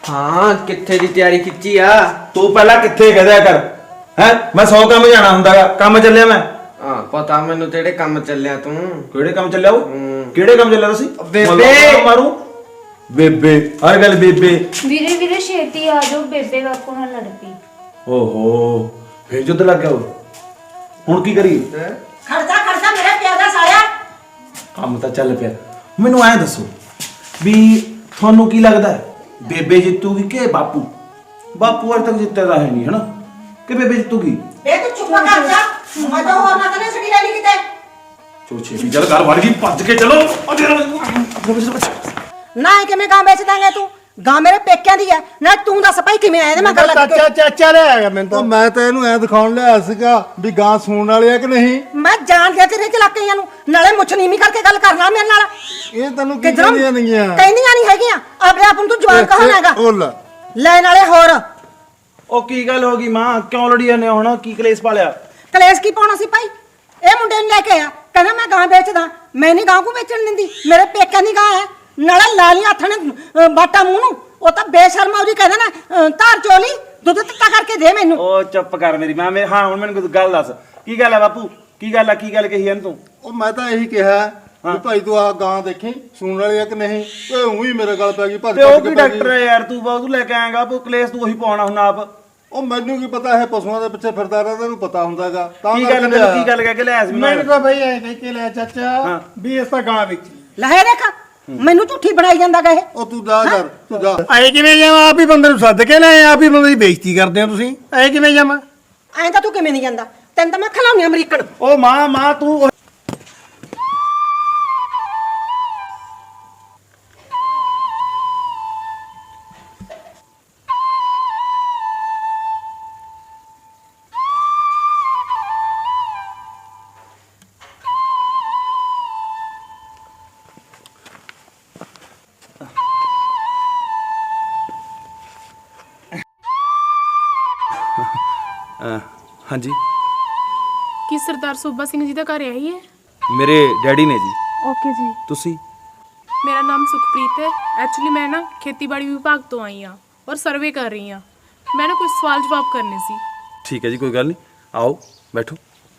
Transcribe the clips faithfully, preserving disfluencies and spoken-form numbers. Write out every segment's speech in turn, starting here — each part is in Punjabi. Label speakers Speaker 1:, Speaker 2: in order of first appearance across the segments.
Speaker 1: हाँ कित्थे दी तैयारी खिंची आ
Speaker 2: तू पहला कित्थे कह दिया कर है मैं सौ काम जाना हुंदा काम चलिया मैं
Speaker 1: हां पता मैनू तेरे काम चलिया तू
Speaker 2: केड़े काम चलिया वो केड़े काम चलिया तुसी
Speaker 1: बेबे
Speaker 2: मारू बेबे हर गल बेबे
Speaker 3: ਵੀਰੇ ਵੀਰੇ ਛੇਤੀ ਆ ਜਾਓ ਬੇਬੇ ਬਾਪੂ ਨਾਲ ਲੜ ਪਈ
Speaker 2: ओहो फिर जुद्ध लग गया हुण की करी
Speaker 4: ਖੜਦਾ ਖੜਦਾ ਮੇਰੇ ਪਿਆ ਦਾ ਸਾਲਿਆ
Speaker 2: ਕੰਮ ਤਾਂ ਚੱਲ ਪਿਆ ਮੈਨੂੰ ਐ ਦੱਸੋ ਵੀ ਤੁਹਾਨੂੰ ਕੀ ਲੱਗਦਾ ਹੈ ਬੇਬੇ ਜਿੱਤੂਗੀ ਕਿ ਬਾਪੂ ਬਾਪੂ ਅਜੇ ਤੱਕ ਜਿੱਤਿਆ ਤਾਂ ਹੈ ਨਹੀਂ ਹਨਾ ਕਿ ਬੇਬੇ ਜਿੱਤੂਗੀ
Speaker 4: ਬੇ ਤੂੰ ਚੁੱਪ ਕਰ ਜਾ ਮੈਂ ਤਾਂ ਹੋਰ ਨਾ ਕਰੇ ਸੜੀ ਲੈ ਲਈ ਕਿਤੇ
Speaker 2: ਚਲੋ ਛੇਤੀ ਚੱਲ ਘਰ ਵੜ ਗਈ ਭੱਜ ਕੇ ਚਲੋ
Speaker 4: ਨਾ ਇਹ ਕਿਵੇਂ ਗਾਂ ਵੇਚ ਦਾਂਗੇ ਤੂੰ ਗਾਂ ਮੇਰੇ ਪੇਕਿਆਂ ਦੀ ਹੈ ਨਾ ਤੂੰ ਦੱਸ ਭਾਈ ਕਿਵੇਂ ਆਇਆ ਇਹਦੇ ਮੈਂ ਗੱਲ
Speaker 5: ਚਾਚਾ ਚਾਚਾ ਲੈ ਆਇਆ ਮੈਨੂੰ ਤਾਂ ਮੈਂ ਤਾਂ ਇਹਨੂੰ ਐ ਦਿਖਾਉਣ ਲਿਆ ਸੀਗਾ ਵੀ ਗਾਂ ਸੂਣ ਵਾਲੀ ਆ ਕਿ ਨਹੀਂ
Speaker 4: ਮੈਂ ਜਾਣ ਗਿਆ ਤੇਰੇ ਚਲਾਕੀਆਂ ਨੂੰ ਨਾਲੇ ਮੁੱਛ ਨੀਵੀਂ ਕਰਕੇ ਗੱਲ ਕਰਨਾ ਮੇਰੇ ਨਾਲ
Speaker 5: ਇਹ ਤੈਨੂੰ ਕੀ
Speaker 4: ਕਿਧਰੋਂ
Speaker 5: ਕਹਿੰਦੀਆਂ ਨਹੀਂਆਂ
Speaker 4: ਕਹਿੰਦੀਆਂ ਨਹੀਂ ਹੈਗੀਆਂ ਆਪਣੇ ਆਪ ਨੂੰ ਤੂੰ ਜਵਾਨ ਕਹਾਂ ਹੈਗਾ
Speaker 5: ਉਹ ਲੈ
Speaker 4: ਲੈ ਨਾਲੇ ਹੋਰ
Speaker 2: ਉਹ ਕੀ ਗੱਲ ਹੋ ਗਈ ਮਾਂ ਕਿਉਂ ਲੜੀ ਜਾਂਦੇ ਹੁਣ ਕੀ ਕਲੇਸ਼ ਪਾ ਲਿਆ
Speaker 4: ਕਲੇਸ਼ ਕੀ ਪਾਉਣਾ ਸੀ ਭਾਈ ਇਹ ਮੁੰਡੇ ਨੂੰ ਲੈ ਕੇ ਆ ਕਹਿੰਦਾ ਮੈਂ ਗਾਂ ਵੇਚਦਾ ਮੈਂ ਨਹੀਂ ਗਾਂ ਕੋ ਵੇਚਣ ਦਿੰਦੀ ਮੇਰੇ ਪੇਕਿਆਂ ਦੀ ਗਾਂ ਹੈ ਨਾਲੇ ਲਾਲੀ ਹੱਥ ਨੇ ਬਾਟਾ ਮੂੰਹ ਨੂੰ ਉਹ ਤਾਂ ਬੇਸ਼ਰਮਾ ਉਹਦੀ ਕਹਿੰਦਾ ਨਾ ਧਾਰ ਚੋਲੀ ਦੁੱਧ ਤੱਤਾ ਕਰਕੇ ਦੇ ਮੈਨੂੰ
Speaker 2: ਉਹ ਚੁੱਪ ਕਰ ਮੇਰੀ ਮਾਂ ਮੇਰੇ ਹਾਂ ਹੁਣ ਮੈਨੂੰ ਕੋਈ ਗੱਲ ਦੱਸ ਕੀ ਗੱਲ ਹੈ ਬਾਪੂ ਕੀ ਗੱਲ ਆ ਕੀ ਗੱਲ ਕਹੀ ਇਹਨੂੰ ਤੂੰ
Speaker 5: ਉਹ ਮੈਂ ਤਾਂ ਇਹੀ ਕਿਹਾ ਵੀ ਭਾਈ ਤੂੰ ਆ ਗਾਂ ਦੇਖੀ ਸੂਣ ਵਾਲੀ ਆ ਕਿ ਨਹੀਂ ਓਏ ਉਹੀ ਮੇਰੇ ਗੱਲ ਪੈ ਗਈ ਭੱਜ
Speaker 2: ਤੇ ਉਹ
Speaker 5: ਭੱਜ
Speaker 2: ਕੀ
Speaker 5: ਕੇ ਪੈ
Speaker 2: ਡਾਕਟਰ ਹੈ ਯਾਰ ਤੂੰ ਬਾਹੂ ਲੈ ਕੇ ਆਏਗਾ ਉਹ ਕਲੇਸ਼ ਤੂੰ ਉਹੀ ਪਾਉਣਾ ਹੁਣ ਆਪ
Speaker 5: ਉਹ ਮੈਨੂੰ ਕੀ ਪਤਾ ਹੈ ਪਸ਼ੂਆਂ ਦੇ ਪਿੱਛੇ ਫਿਰਦਾ ਰਹਿੰਦਾ ਇਹਨੂੰ ਪਤਾ ਹੁੰਦਾਗਾ ਤਾਂ
Speaker 2: ਕੀ ਗੱਲ ਮੈਨੂੰ ਕੀ ਗੱਲ ਕਹਿ ਕੇ ਲਿਆਇਆ ਸੀ
Speaker 5: ਮੈਨੂੰ ਤਾਂ ਬਈ ਐ ਕਹਿ ਕੇ ਲਿਆ ਚਾਚਾ ਵੀ ਇਸ ਤਾਂ ਗਾਂ ਵਿੱਚ
Speaker 4: ਲਹੇ ਦੇਖ ਮੈਨੂੰ ਝੂਠੀ ਬਣਾਈ ਜਾਂਦਾ ਗਾ ਇਹ
Speaker 5: ਉਹ ਤੂੰ ਜਾ ਕਰ ਤੂੰ ਜਾ
Speaker 6: ਐ ਕਿਵੇਂ ਜਾਵਾਂ ਆਪ ਹੀ ਬੰਦੇ ਨੂੰ ਸੱਦ ਕੇ ਲੈ ਆਪ ਹੀ ਬੰਦੇ ਦੀ ਬੇਇੱਜ਼ਤੀ ਕਰਦੇ ਹੋ ਤੁਸੀਂ ਐ ਕਿਵੇਂ ਜਾਵਾਂ
Speaker 4: ਐਂ ਤਾਂ ਤੂੰ ਕਿਵੇਂ ਨਹੀਂ ਜਾਂਦਾ ਤੈਨੂੰ ਤਾਂ ਮੈਂ ਖਿਲਾਉਣੀ ਅਮਰੀਕਨ
Speaker 2: ਉਹ ਮਾਂ ਮਾਂ ਤੂੰ ਹਾਂਜੀ
Speaker 7: ਕੀ ਸਰਦਾਰ ਸੂਬਾ ਸਿੰਘ ਜੀ ਦਾ ਘਰ ਆਈ ਹੈ?
Speaker 2: ਮੇਰੇ ਡੈਡੀ ਨੇ ਜੀ
Speaker 7: ਓਕੇ ਜੀ।
Speaker 2: ਤੁਸੀਂ
Speaker 7: ਮੇਰਾ ਨਾਮ ਸੁਖਪ੍ਰੀਤ ਹੈ। ਐਕਚੁਅਲੀ ਮੈਂ ਨਾ ਖੇਤੀਬਾੜੀ ਵਿਭਾਗ ਤੋਂ ਆਈ ਹਾਂ ਔਰ ਸਰਵੇ ਕਰ ਰਹੀ ਹਾਂ। ਮੈਂ ਨਾ ਕੁਝ ਸਵਾਲ ਜਵਾਬ ਕਰਨੇ ਸੀ।
Speaker 2: ਠੀਕ ਹੈ ਜੀ ਕੋਈ ਗੱਲ ਨਹੀਂ ਆਓ ਬੈਠੋ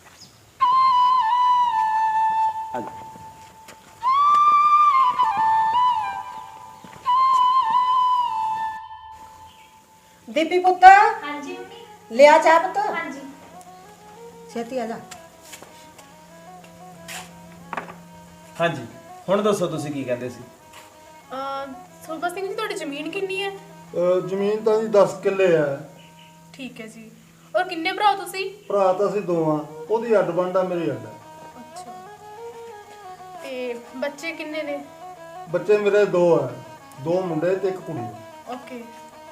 Speaker 4: ਦੀਪੀ ਪੁੱਤ
Speaker 3: ਹਾਂਜੀ ਮੰਮੀ।
Speaker 4: ਲਿਆ ਚਾਹ ਪੁੱਤ
Speaker 3: ਹਾਂਜੀ।
Speaker 4: ਛੇਤੀ ਆ ਜਾ
Speaker 2: ਹਾਂਜੀ ਹੁਣ ਦੱਸੋ ਤੁਸੀਂ ਕੀ ਕਹਿੰਦੇ ਸੀ
Speaker 7: ਅ ਸੂਬਾ ਸਿੰਘ ਜੀ ਤੁਹਾਡੀ ਜ਼ਮੀਨ ਕਿੰਨੀ ਹੈ?
Speaker 5: ਅਹ ਜ਼ਮੀਨ ਤਾਂ ਜੀ ਦਸ ਕਿੱਲੇ ਆ
Speaker 7: ਠੀਕ ਹੈ ਜੀ। ਔਰ ਕਿੰਨੇ ਭਰਾ ਹੋ ਤੁਸੀਂ?
Speaker 5: ਭਰਾ ਤਾਂ ਅਸੀਂ ਦੋ ਆ ਉਹਦੀ ਅੱਡ ਵੰਡ ਆ ਮੇਰੀ ਅੱਡ ਆ।
Speaker 7: ਅੱਛਾ। ਤੇ ਬੱਚੇ ਕਿੰਨੇ ਨੇ?
Speaker 5: ਬੱਚੇ ਮੇਰੇ ਦੋ ਆ ਦੋ ਮੁੰਡੇ ਤੇ ਇੱਕ ਕੁੜੀ
Speaker 7: ਓਕੇ।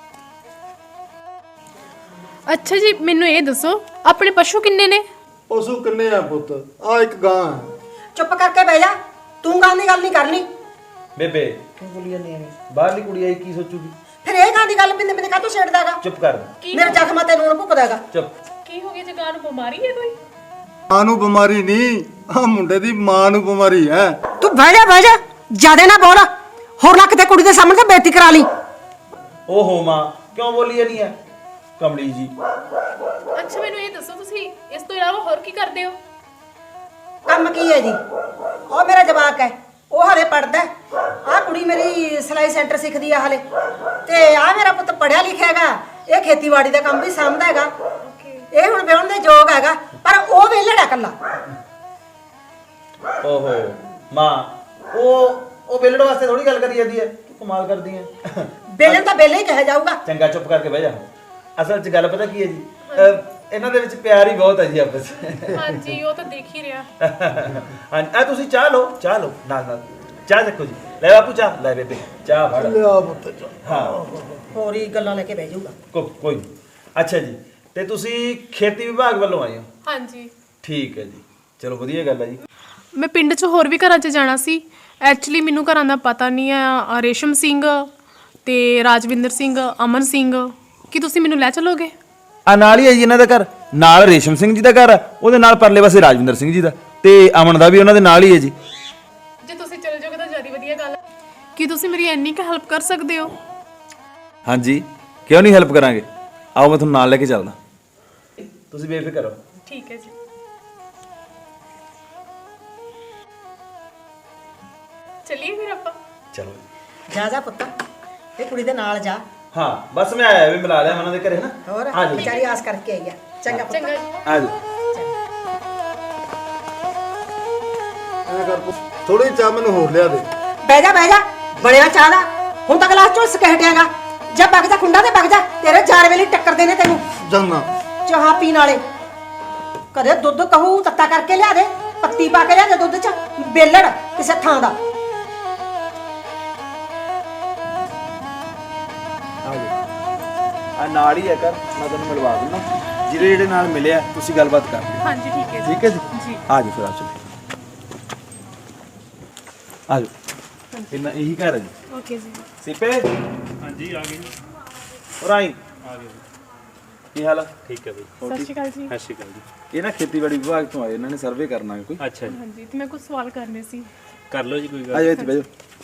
Speaker 7: ਅੱਛਾ ਜੀ ਮੈਨੂੰ ਇਹ ਦੱਸੋ ਆਪਣੇ ਪਸ਼ੂ ਕਿੰਨੇ ਨੇ?
Speaker 5: ਪਸ਼ੂ ਕਿੰਨੇ ਆ ਪੁੱਤ ਆ ਇੱਕ ਗਾਂ ਹੈ
Speaker 4: ਚੁੱਪ ਕਰਕੇ ਬਹਿ ਜਾ ਤੂੰ ਗਾਂ ਦੀ ਗੱਲ ਨਹੀਂ ਕਰਨੀ
Speaker 2: ਬੇਬੇ
Speaker 4: ਕਿਉਂ ਬੋਲੀ ਜਾਂਦੀ ਐ
Speaker 2: ਬਾਹਰਲੀ ਕੁੜੀ ਆਈ ਕੀ ਸੋਚੂਗੀ
Speaker 4: ਫਿਰ ਇਹ ਗਾਂ ਦੀ ਗੱਲ ਬਿੰਦੇ ਬਿੰਦੇ ਕਾਹਤੋਂ ਛੇੜਦਾਗਾ
Speaker 2: ਚੁੱਪ ਕਰ
Speaker 4: ਮੇਰੇ ਜ਼ਖਮਾਂ ਤੇ ਨੂਣ ਭੁੱਕਦਾਗਾ
Speaker 2: ਚੁੱਪ
Speaker 7: ਕੀ ਹੋ ਗਿਆ ਜਗਾਂ ਨੂੰ ਬਿਮਾਰੀ ਹੈ ਕੋਈ?
Speaker 5: ਮਾਂ ਨੂੰ ਬਿਮਾਰੀ ਨਹੀਂ ਆ ਮੁੰਡੇ ਦੀ ਮਾਂ ਨੂੰ ਬਿਮਾਰੀ ਹੈ
Speaker 4: ਤੂੰ ਬਹਿ ਜਾ ਬਹਿ ਜਾ ਜਿਆਦੇ ਨਾ ਬੋਲ ਹੋਰ ਨਾ ਕਿਤੇ ਕੁੜੀ ਦੇ ਸਾਹਮਣੇ ਤੇ ਬੇਇੱਜ਼ਤੀ ਕਰਾ ਲਈ
Speaker 2: ਓਹੋ ਮਾਂ ਕਿਉਂ ਬੋਲੀ ਨਹੀਂ ਹੈ ਕਮਲੀ ਜੀ
Speaker 7: ਅੱਛਾ ਮੈਨੂੰ ਇਹ ਦੱਸੋ ਤੁਸੀਂ ਇਸ ਤੋਂ ਇਲਾਵਾ ਹੋਰ ਕੀ ਕਰਦੇ ਹੋ?
Speaker 4: ਕੰਮ ਕੀ ਹੈ ਜੀ ਉਹ ਮੇਰਾ ਜਵਾਕ ਹੈ ਉਹ ਹਲੇ ਪੜਦਾ ਆ ਕੁੜੀ ਮੇਰੀ ਸਿਲਾਈ ਸੈਂਟਰ ਸਿੱਖਦੀ ਆ ਹਲੇ ਤੇ ਆ ਮੇਰਾ ਪੁੱਤ ਪੜਿਆ ਲਿਖਿਆ ਹੈਗਾ ਇਹ ਖੇਤੀਬਾੜੀ ਦਾ ਕੰਮ ਵੀ ਸਾਂਭਦਾ ਹੈਗਾ ਇਹ ਹੁਣ ਵਿਆਹਣ ਦੇ ਯੋਗ ਹੈਗਾ ਪਰ ਉਹ ਵਿਹਲੜਾ ਕੱਲਾ
Speaker 2: ਓਹੋ ਮਾਂ ਉਹ ਉਹ ਬੇਲੜ ਵਾਸਤੇ ਥੋੜੀ ਗੱਲ ਕਰੀ ਜਾਂਦੀ ਹੈ ਤੂੰ ਕਮਾਲ ਕਰਦੀ ਹੈ
Speaker 4: ਬੇਲਣ ਤਾਂ ਬੇਲੇ ਹੀ ਕਿਹਾ ਜਾਊਗਾ
Speaker 2: ਚੰਗਾ ਚੁੱਪ ਕਰਕੇ ਬਹਿ ਜਾ ਅਸਲ 'ਚ ਗੱਲ ਪਤਾ ਕੀ ਹੈ ਜੀ ਇਹਨਾਂ ਦੇ ਵਿੱਚ ਪਿਆਰ ਹੀ ਬਹੁਤ ਹੈ ਜੀ ਆਪਸ 'ਚ
Speaker 7: ਹਾਂਜੀ ਉਹ ਤਾਂ ਦੇਖ ਹੀ ਰਿਹਾ।
Speaker 2: ਹਾਂਜੀ ਆ ਤੁਸੀਂ ਚਾਹ ਲਓ ਚਾਹ ਲਓ ਨਾਲ ਨਾਲ ਚਾਹ ਚੱਕੋ ਜੀ ਲੈ ਬਾਪੂ ਚਾਹ ਲੈ ਬੇਬੇ ਚਾਹ ਫੜ
Speaker 5: ਲਿਆ ਪੁੱਤ
Speaker 2: ਹਾਂ
Speaker 4: ਹੋਰ ਹੀ ਗੱਲਾਂ ਲੈ ਕੇ ਬਹਿ ਜਾਊਗਾ
Speaker 2: ਕੋ ਕੋਈ ਨੀ। ਅੱਛਾ ਜੀ ਤੇ ਤੁਸੀਂ ਖੇਤੀ ਵਿਭਾਗ ਵੱਲੋਂ ਆਏ ਹੋ
Speaker 7: ਹਾਂਜੀ
Speaker 2: ਠੀਕ ਹੈ ਜੀ ਚਲੋ ਵਧੀਆ ਗੱਲ ਹੈ ਜੀ
Speaker 7: ਮੈਂ ਪਿੰਡ 'ਚ ਹੋਰ ਵੀ ਘਰਾਂ 'ਚ ਜਾਣਾ ਸੀ। ਐਕਚੁਅਲੀ ਮੈਨੂੰ ਘਰਾਂ ਦਾ ਪਤਾ ਨਹੀਂ ਹੈ। ਰੇਸ਼ਮ ਸਿੰਘ ਤੇ ਰਾਜਵਿੰਦਰ ਸਿੰਘ ਅਮਨ ਸਿੰਘ ਕੀ ਤੁਸੀਂ ਮੈਨੂੰ ਲੈ ਚਲੋਗੇ?
Speaker 2: ਆ ਨਾਲ ਹੀ ਹੈ ਜੀ ਇਹਨਾਂ ਦਾ ਘਰ ਨਾਲ ਰੇਸ਼ਮ ਸਿੰਘ ਜੀ ਦਾ ਘਰ ਆ ਉਹਦੇ ਨਾਲ ਪਰਲੇ ਪਾਸੇ ਰਾਜਵਿੰਦਰ ਸਿੰਘ ਜੀ ਦਾ ਤੇ ਅਮਨ ਦਾ ਵੀ ਉਹਨਾਂ ਦੇ ਨਾਲ ਹੀ ਹੈ ਜੀ
Speaker 7: ਜੇ ਤੁਸੀਂ ਚਲ ਜਾਓਗੇ ਤਾਂ ਜ਼ਿਆਦਾ ਵਧੀਆ ਗੱਲ ਹੈ। ਕੀ ਤੁਸੀਂ ਮੇਰੀ ਇੰਨੀ ਕੁ ਹੈਲਪ ਕਰ ਸਕਦੇ ਹੋ?
Speaker 2: ਹਾਂਜੀ ਕਿਉਂ ਨਹੀਂ ਹੈਲਪ ਕਰਾਂਗੇ, ਆਓ ਮੈਂ ਤੁਹਾਨੂੰ ਨਾਲ ਲੈ ਕੇ ਚੱਲਦਾ। ਤੁਸੀਂ ਬੇਫਿਕਰ ਰਹੋ।
Speaker 7: ਠੀਕ ਹੈ ਜੀ। ਚਲਿਏ ਫਿਰ ਆਪਾਂ।
Speaker 2: ਚਲੋ
Speaker 4: ਜਾ ਜਾ ਪੁੱਤ ਇਹ ਕੁੜੀ ਦੇ ਨਾਲ ਜਾ।
Speaker 2: ਹਾਂ ਬਸ ਮੈਂ ਆਇਆ ਵੀ ਮਿਲਾ ਲਿਆ ਉਹਨਾਂ ਦੇ ਘਰੇ ਨਾ।
Speaker 4: ਹੋਰ
Speaker 2: ਆ ਜਾਓ।
Speaker 4: ਵਿਚਾਰੀ ਆਸ ਕਰਕੇ ਆਈ ਆ। ਚੰਗਾ ਪੁੱਤ।
Speaker 7: ਚੰਗਾ ਜੀ।
Speaker 2: ਆ ਜਾਓ।
Speaker 5: ਐ ਕਰ ਥੋੜੀ ਚਾਹ ਮੈਨੂੰ ਹੋਰ ਲਿਆ ਦੇ।
Speaker 4: ਬਹਿ ਜਾ ਬਹਿ ਜਾ ਬਣਿਆ ਚਾਹ ਦਾ ਹੁਣ ਤਾਂ ਗਲਾਸ ਝੁਲਸ ਕੇ ਹਟਿਆਗਾ। ਜਾ ਵਗ ਜਾ ਖੁੰਡਾ ਤੇ ਵਗ ਜਾ ਤੇਰੇ ਚਾਰ ਵੇਲੇ ਟੱਕਰਦੇ ਨੇ ਤੈਨੂੰ
Speaker 5: ਜੰਨਾ
Speaker 4: ਚਾਹ ਪੀਣ ਵਾਲੇ। ਕਦੇ ਦੁੱਧ ਕਹੂ ਤੱਤਾ ਕਰਕੇ ਲਿਆ ਦੇ, ਪੱਤੀ ਪਾ ਕੇ ਲਿਆ ਦੇ ਦੁੱਧ ਚ ਬੇਲੜ ਕਿਸੇ ਥਾਂ ਦਾ।
Speaker 2: ਆ ਜਾਓ। ਆ ਨਾਲ ਹੀ ਹੈ ਕਰ, ਮੈਂ ਤੁਹਾਨੂੰ ਮਿਲਵਾ ਦਿੰਦਾ। ਜਿਹੜੇ ਜਿਹੜੇ ਨਾਲ ਮਿਲਿਆ ਤੁਸੀਂ ਗੱਲਬਾਤ ਕਰ ਲਿਓ।
Speaker 7: ਹਾਂਜੀ ਠੀਕ ਹੈ ਜੀ।
Speaker 2: ਠੀਕ ਹੈ ਜੀ
Speaker 7: ਜੀ।
Speaker 2: ਆ ਜਾਓ ਫਿਰ ਆ ਚਲੋ ਆ ਜਾਓ। ਇੰਨਾ ਇਹੀ ਘਰ ਹੈ ਜੀ।
Speaker 7: ਓਕੇ ਜੀ।
Speaker 2: ਸਿਪੇ
Speaker 8: ਹਾਂਜੀ ਆ ਗਏ ਜੀ।
Speaker 2: ਔਰ ਆਈ
Speaker 8: ਆ ਗਏ ਜੀ।
Speaker 2: ਕੀ ਹਾਲ ਆ?
Speaker 8: ਠੀਕ ਹੈ ਬਈ।
Speaker 7: ਸਤਿ ਸ਼੍ਰੀ ਅਕਾਲ ਜੀ।
Speaker 8: ਸਤਿ ਸ਼੍ਰੀ ਅਕਾਲ ਜੀ।
Speaker 2: ਇਹ ਨਾ ਖੇਤੀਬਾੜੀ ਵਿਭਾਗ ਤੋਂ ਆਏ, ਇਹਨਾਂ ਨੇ ਸਰਵੇ ਕਰਨਾ ਹੈ ਕੋਈ।
Speaker 8: ਅੱਛਾ ਜੀ
Speaker 7: ਹਾਂਜੀ ਤੇ ਮੈਂ ਕੁਝ ਸਵਾਲ ਕਰਨੇ ਸੀ।
Speaker 8: ਕਰ ਲਓ ਜੀ ਕੋਈ
Speaker 2: ਆ
Speaker 8: ਗੱਲ।
Speaker 2: ਜਾਓ ਇੱਥੇ ਬਹਿ ਜਾਓ।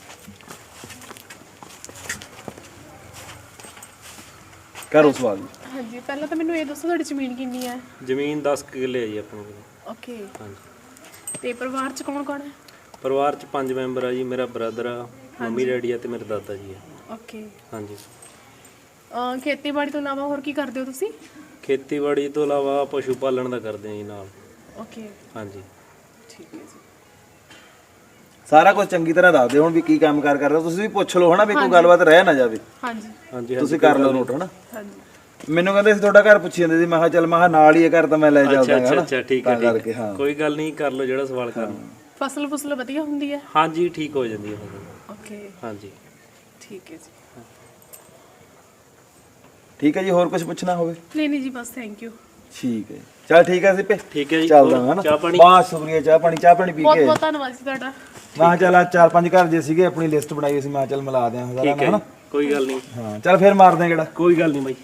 Speaker 2: ਕਰੋ ਸਵਾਲ ਜੀ।
Speaker 7: ਹਾਂਜੀ ਪਹਿਲਾਂ ਤਾਂ ਮੈਨੂੰ ਇਹ ਦੱਸੋ ਤੁਹਾਡੀ ਜ਼ਮੀਨ ਕਿੰਨੀ ਹੈ?
Speaker 8: ਜ਼ਮੀਨ ਦਸ ਕੁ ਕਿੱਲੇ ਹੈ ਜੀ ਆਪਣੇ ਕੋਲ।
Speaker 7: ਓਕੇ।
Speaker 8: ਹਾਂਜੀ।
Speaker 7: ਤੇ ਪਰਿਵਾਰ ਚ ਕੌਣ ਕੌਣ ਹੈ?
Speaker 8: ਪਰਿਵਾਰ ਚ ਪੰਜ ਮੈਂਬਰ ਆ ਜੀ। ਮੇਰਾ ਬ੍ਰਦਰ ਆ, ਮੰਮੀ ਡੈਡੀ ਆ ਤੇ ਮੇਰੇ ਦਾਦਾ ਜੀ ਆ।
Speaker 7: ਓਕੇ।
Speaker 8: ਹਾਂਜੀ।
Speaker 7: ਅਹ ਖੇਤੀਬਾੜੀ ਤੋਂ ਇਲਾਵਾ ਹੋਰ ਕੀ ਕਰਦੇ ਹੋ ਤੁਸੀਂ?
Speaker 8: ਖੇਤੀਬਾੜੀ ਤੋਂ ਇਲਾਵਾ ਪਸ਼ੂ ਪਾਲਣ ਦਾ ਕਰਦੇ ਆ ਜੀ ਨਾਲ।
Speaker 7: ਓਕੇ
Speaker 8: ਹਾਂਜੀ।
Speaker 7: ਠੀਕ ਹੈ ਜੀ।
Speaker 2: ਸਾਰਾ ਕੁਝ ਚੰਗੀ ਤਰ੍ਹਾਂ ਦੱਸ ਦਿਓ ਹੁਣ ਵੀ ਕੀ ਕੰਮ ਕਾਰ ਕਰਦੇ ਹੋ। ਤੁਸੀਂ ਵੀ ਪੁੱਛ ਲਓ ਹਨਾ ਵੀ ਕੋਈ ਗੱਲਬਾਤ ਰਹਿ ਨਾ ਜਾਵੇ।
Speaker 7: ਹਾਂਜੀ
Speaker 8: ਹਾਂਜੀ
Speaker 2: ਤੁਸੀਂ ਕਰ ਲਓ ਨੋਟ ਹਨਾ।
Speaker 7: ਹਾਂਜੀ।
Speaker 2: ਮੈਨੂੰ ਕਹਿੰਦੇ ਸੀ ਤੁਹਾਡਾ ਘਰ ਪੁੱਛੀ ਜਾਂਦੇ ਸੀ, ਮੈਂ ਕਿਹਾ ਚੱਲ ਮੈਂ ਕਿਹਾ ਨਾਲ ਹੀ ਇਹ ਘਰ ਤਾਂ ਮੈਂ ਲੈ
Speaker 8: ਅੱਛਾ
Speaker 2: ਚੱਲਦਾ
Speaker 8: ਅੱਛਾ
Speaker 2: ਹਨਾ।
Speaker 8: ਅੱਛਾ ਠੀਕ ਹੈ
Speaker 2: ਤਾਂ
Speaker 8: ਠੀਕ
Speaker 2: ਕਰਕੇ
Speaker 8: ਹੈ।
Speaker 2: ਹਾਂ
Speaker 8: ਕੋਈ ਗੱਲ ਨਹੀਂ, ਕਰ ਲਓ ਜਿਹੜਾ ਸਵਾਲ ਕਰਨਾ।
Speaker 7: ਫਸਲ ਫੁਸਲ ਵਧੀਆ ਹੁੰਦੀ ਹੈ?
Speaker 8: ਹਾਂਜੀ ਠੀਕ ਹੋ ਜਾਂਦੀ ਹੈ ਫਸਲ।
Speaker 7: ਓਕੇ
Speaker 8: ਹਾਂਜੀ।
Speaker 7: ਠੀਕ ਹੈ ਜੀ।
Speaker 2: ਠੀਕ ਹੈ ਜੀ। ਹੋਰ ਕੁਝ ਪੁੱਛਣਾ ਹੋਵੇ?
Speaker 7: ਨਹੀਂ ਨਹੀਂ ਜੀ ਬਸ ਥੈਂਕ ਯੂ।
Speaker 2: ਠੀਕ ਹੈ ਚਲ ਠੀਕ ਹੈ ਸਿੱਪੇ
Speaker 8: ਠੀਕ ਹੈ ਜੀ।
Speaker 2: ਚੱਲਦਾ
Speaker 8: ਹੋਰ
Speaker 2: ਹਨਾ।
Speaker 8: ਚਾਹ ਪਾਣੀ?
Speaker 2: ਬਹੁਤ ਸ਼ੁਕਰੀਆ। ਚਾਹ ਪਾਣੀ ਚਾਹ ਪਾਣੀ ਪੀ
Speaker 7: ਬਹੁਤ
Speaker 2: ਕੇ
Speaker 7: ਬਹੁਤ ਧੰਨਵਾਦ ਜੀ ਤੁਹਾਡਾ।
Speaker 2: ਮੈਂ ਕਿਹਾ ਚੱਲ ਆਹ ਚਾਰ ਪੰਜ ਘਰ ਜੇ ਸੀਗੇ ਆਪਣੀ ਲਿਸਟ ਬਣਾਈ ਸੀ, ਮੈਂ ਕਿਹਾ ਚੱਲ ਮਿਲਾ ਦਿਆਂ ਸਾਰਾ
Speaker 8: ਠੀਕ ਹੈ
Speaker 2: ਹਨਾ।
Speaker 8: ਜੀ, ਕੋਈ ਗੱਲ ਨਹੀਂ।
Speaker 2: ਹਾਂ ਚੱਲ ਫਿਰ ਮਾਰਦੇ ਹਾਂ ਕਿਹੜਾ।
Speaker 8: ਕੋਈ ਗੱਲ ਨਹੀਂ ਬਾਈ।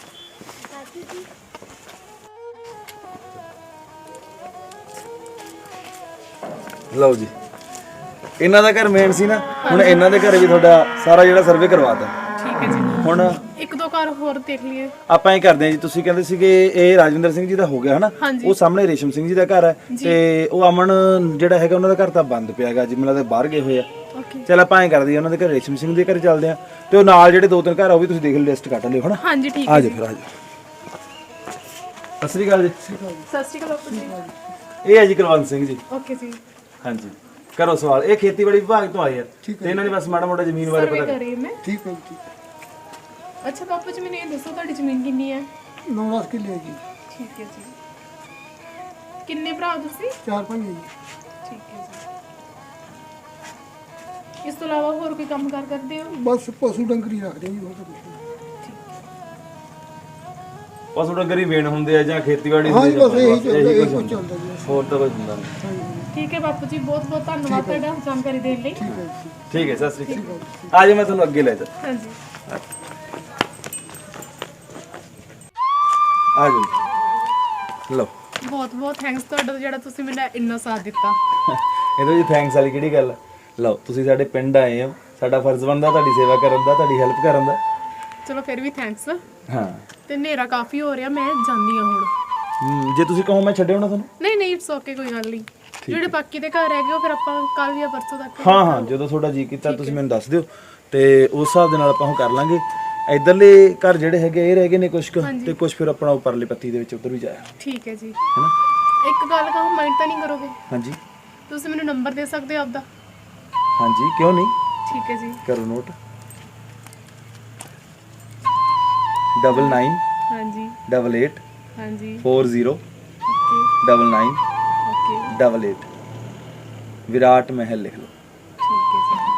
Speaker 2: ਲਓ ਜੀ ਇਹਨਾਂ ਦਾ ਘਰ ਮੇਨ ਸੀ ਨਾ, ਹੁਣ ਇਹਨਾਂ ਦੇ ਘਰੇ ਵੀ ਤੁਹਾਡਾ ਸਾਰਾ ਜਿਹੜਾ ਸਰਵੇ ਕਰਵਾਤਾ।
Speaker 7: ਠੀਕ ਹੈ ਜੀ।
Speaker 2: ਹੁਣ
Speaker 7: ਇੱਕ ਦੋ ਘਰ ਹੋਰ ਦੇਖ ਲਈਏ।
Speaker 2: ਆਪਾਂ ਇਹ ਕਰਦੇ ਹਾਂ ਜੀ, ਤੁਸੀਂ ਕਹਿੰਦੇ ਸੀਗੇ ਇਹ ਰਾਜਵਿੰਦਰ ਸਿੰਘ ਜੀ ਦਾ ਹੋ ਗਿਆ ਹਨਾ।
Speaker 7: ਹਾਂਜੀ।
Speaker 2: ਉਹ ਸਾਹਮਣੇ ਰੇਸ਼ਮ ਸਿੰਘ ਜੀ ਦਾ ਘਰ ਹੈ ਤੇ ਉਹ ਅਮਨ ਜਿਹੜਾ ਹੈਗਾ ਉਹਨਾਂ ਦਾ ਘਰ ਤਾਂ ਬੰਦ ਪਿਆ ਹੈਗਾ ਜੀ, ਮੈਨੂੰ ਲੱਗਦਾ ਬਾਹਰ ਗਏ ਹੋਏ ਆ।
Speaker 7: ਓਕੇ।
Speaker 2: ਚਲ ਆਪਾਂ ਐਂ ਕਰਦੇ ਹਾਂ ਉਹਨਾਂ ਦੇ ਘਰ ਰੇਸ਼ਮ ਸਿੰਘ ਦੇ ਘਰ ਚੱਲਦੇ ਆ ਤੇ ਉਹ ਨਾਲ ਜਿਹੜੇ ਦੋ ਤਿੰਨ ਘਰ ਆ ਉਹ ਵੀ ਤੁਸੀਂ ਦੇਖ ਲਓ, ਲਿਸਟ ਕੱਟ ਲਿਓ ਹਨਾ।
Speaker 7: ਹਾਂਜੀ ਠੀਕ
Speaker 2: ਆ
Speaker 7: ਹੈ
Speaker 2: ਜਾਓ
Speaker 7: ਜੀ।
Speaker 2: ਫਿਰ ਆ ਜਾਓ। ਸਤਿ ਸ੍ਰੀ ਅਕਾਲ ਜੀ।
Speaker 7: ਸਤਿ ਸ਼੍ਰੀ ਅਕਾਲ ਬਾਪੂ ਜੀ।
Speaker 2: ਇਹ ਹੈ ਜੀ ਕੁਲਵੰਤ ਸਿੰਘ ਜੀ।
Speaker 7: ਓਕੇ ਜੀ।
Speaker 2: ਹਾਂਜੀ ਕਰੋ ਸਵਾਲ। ਇਹ ਖੇਤੀਬਾੜੀ ਵਿਭਾਗ ਤੋਂ ਆਏ ਆ ਤੇ ਇਹਨਾਂ ਨੇ ਬਸ ਮਾੜਾ ਮੋਟਾ ਜ਼ਮੀਨ ਬਾਰੇ
Speaker 7: ਸਰਵੇ
Speaker 2: ਪਤਾ
Speaker 7: ਕਰੀ ਮੈਂ।
Speaker 6: ਠੀਕ ਹੈ ਜੀ।
Speaker 7: ਅੱਛਾ ਬਾਪੂ ਜੀ ਮੈਨੂੰ ਇਹ ਦੱਸੋ ਤੁਹਾਡੀ ਜ਼ਮੀਨ ਕਿੰਨੀ ਹੈ?
Speaker 6: ਨੌ ਦਸ ਕਿੱਲੇ ਜੀ।
Speaker 7: ਠੀਕ ਹੈ ਜੀ। ਕਿੰਨੇ ਭਰਾ ਹੋ ਤੁਸੀਂ?
Speaker 6: ਚਾਰ ਪੰਜ ਜੀ।
Speaker 7: ਠੀਕ ਹੈ ਜੀ। ਇਸ ਤੋਂ ਇਲਾਵਾ ਹੋਰ ਕੋਈ ਕੰਮ ਕਾਰ ਕਰਦੇ ਹੋ?
Speaker 6: ਬਸ ਪਸ਼ੂ ਡੰਗਰੀ ਰੱਖਦੇ ਜੀ, ਹੋਰ ਤਾਂ ਕੁਛ ਨਹੀਂ।
Speaker 2: ਪਸ਼ੂ ਡੰਗਰ ਹੀ ਮੇਨ ਹੁੰਦੇ ਆ ਜਾਂ ਖੇਤੀਬਾੜੀ
Speaker 6: ਹਾਂ ਜੀ,
Speaker 2: ਹੁੰਦੀ ਆ,
Speaker 6: ਬਸ ਇਹੀ
Speaker 2: ਬਸ
Speaker 6: ਚੱਲਦਾ, ਇਹੀ
Speaker 2: ਕੁਛ
Speaker 6: ਕੁਛ
Speaker 2: ਹੁੰਦਾ।
Speaker 6: ਚੱਲਦਾ ਜੀ।
Speaker 2: ਹੋਰ ਤਾਂ ਕੁਝ ਹੁੰਦਾ ਨਹੀਂ।
Speaker 7: ਠੀਕ ਹੈ ਬਾਪੂ ਜੀ, ਬਹੁਤ ਬਹੁਤ ਧੰਨਵਾਦ ਤੁਹਾਡਾ ਜਾਣਕਾਰੀ ਦੇਣ ਲਈ।
Speaker 2: ਠੀਕ ਹੈ ਸਤਿ ਸ੍ਰੀ ਅਕਾਲ। ਆ ਜਾਓ ਮੈਂ ਤੁਹਾਨੂੰ ਅੱਗੇ ਲੈ ਜਾ।
Speaker 7: ਹਾਂਜੀ।
Speaker 2: ਆ ਜਾਓ ਲਓ।
Speaker 7: ਬਹੁਤ ਬਹੁਤ ਥੈਂਕਸ ਤੁਹਾਡਾ ਜਿਹੜਾ ਤੁਸੀਂ ਮੈਨੂੰ ਇੰਨਾ ਸਾਥ ਦਿੱਤਾ।
Speaker 2: ਇਹਦੇ ਵਿੱਚ ਥੈਂਕਸ ਵਾਲੀ ਕਿਹੜੀ ਗੱਲ ਆ? ਲਓ ਤੁਸੀਂ ਸਾਡੇ ਪਿੰਡ ਆਏ ਹੋ, ਸਾਡਾ ਫਰਜ਼ ਬਣਦਾ ਤੁਹਾਡੀ ਸੇਵਾ ਕਰਨ ਦਾ, ਤੁਹਾਡੀ ਹੈਲਪ ਕਰਨ ਦਾ।
Speaker 7: ਚਲੋ ਫਿਰ ਵੀ ਥੈਂਕਸ।
Speaker 2: ਹਾਂ
Speaker 7: ਤੇ ਹਨੇਰਾ ਕਾਫੀ ਹੋ ਰਿਹਾ, ਮੈਂ ਜਾਂਦੀ ਹਾਂ ਹੁਣ।
Speaker 2: ਹਮ, ਜੇ ਤੁਸੀਂ ਕਹੋ ਮੈਂ ਛੱਡਿਓ ਨਾ ਤੁਹਾਨੂੰ।
Speaker 7: ਨਹੀਂ ਨਹੀਂ ਇਟਸ ਓਕੇ, ਕੋਈ ਗੱਲ ਨਹੀਂ। ਜਿਹੜੇ ਬਾਕੀ ਦੇ ਘਰ ਹੈਗੇ ਉਹ ਫਿਰ ਆਪਾਂ ਕੱਲ ਜਾਂ ਪਰਸੋਂ ਤੱਕ।
Speaker 2: ਹਾਂ ਹਾਂ ਜਦੋਂ ਤੁਹਾਡਾ ਜੀ ਕੀਤਾ ਤੁਸੀਂ ਮੈਨੂੰ ਦੱਸ ਦਿਓ ਤੇ ਉਸ ਹਿਸਾਬ ਦੇ ਨਾਲ ਆਪਾਂ ਉਹ ਕਰ ਲਾਂਗੇ। ਇਧਰਲੇ ਘਰ ਜਿਹੜੇ ਹੈਗੇ ਇਹ ਰਹਿ ਗਏ ਨੇ ਕੁਛ ਕੁ, ਤੇ ਕੁਛ ਫਿਰ ਆਪਣਾ ਉੱਪਰਲੇ ਪੱਤੀ ਦੇ ਵਿੱਚ ਉੱਧਰ ਵੀ ਜਾਇਆ।
Speaker 7: ਠੀਕ ਹੈ ਜੀ।
Speaker 2: ਹੈਨਾ।
Speaker 7: ਇੱਕ ਗੱਲ ਕਹੋ, ਮਾਈਂਡ ਤਾਂ ਨਹੀਂ ਕਰੋਗੇ?
Speaker 2: ਹਾਂਜੀ
Speaker 7: ਤੁਸੀਂ ਮੈਨੂੰ ਨੰਬਰ ਦੇ ਸਕਦੇ ਹੋ ਆਪਦਾ?
Speaker 2: ਹਾਂਜੀ ਕਿਉਂ ਨਹੀਂ,
Speaker 7: ਠੀਕ ਹੈ ਜੀ।
Speaker 2: ਕਰੋ ਨੋਟ। ਡਬਲ ਨਾਈਨ
Speaker 7: ਹਾਂਜੀ
Speaker 2: ਡਬਲ ਏਟ
Speaker 7: ਹਾਂਜੀ।
Speaker 2: Four zero
Speaker 7: okay
Speaker 2: double nine
Speaker 7: okay
Speaker 2: double eight Virat Mahal ਲਿਖ ਲਓ।
Speaker 7: ਠੀਕ ਹੈ ਜੀ।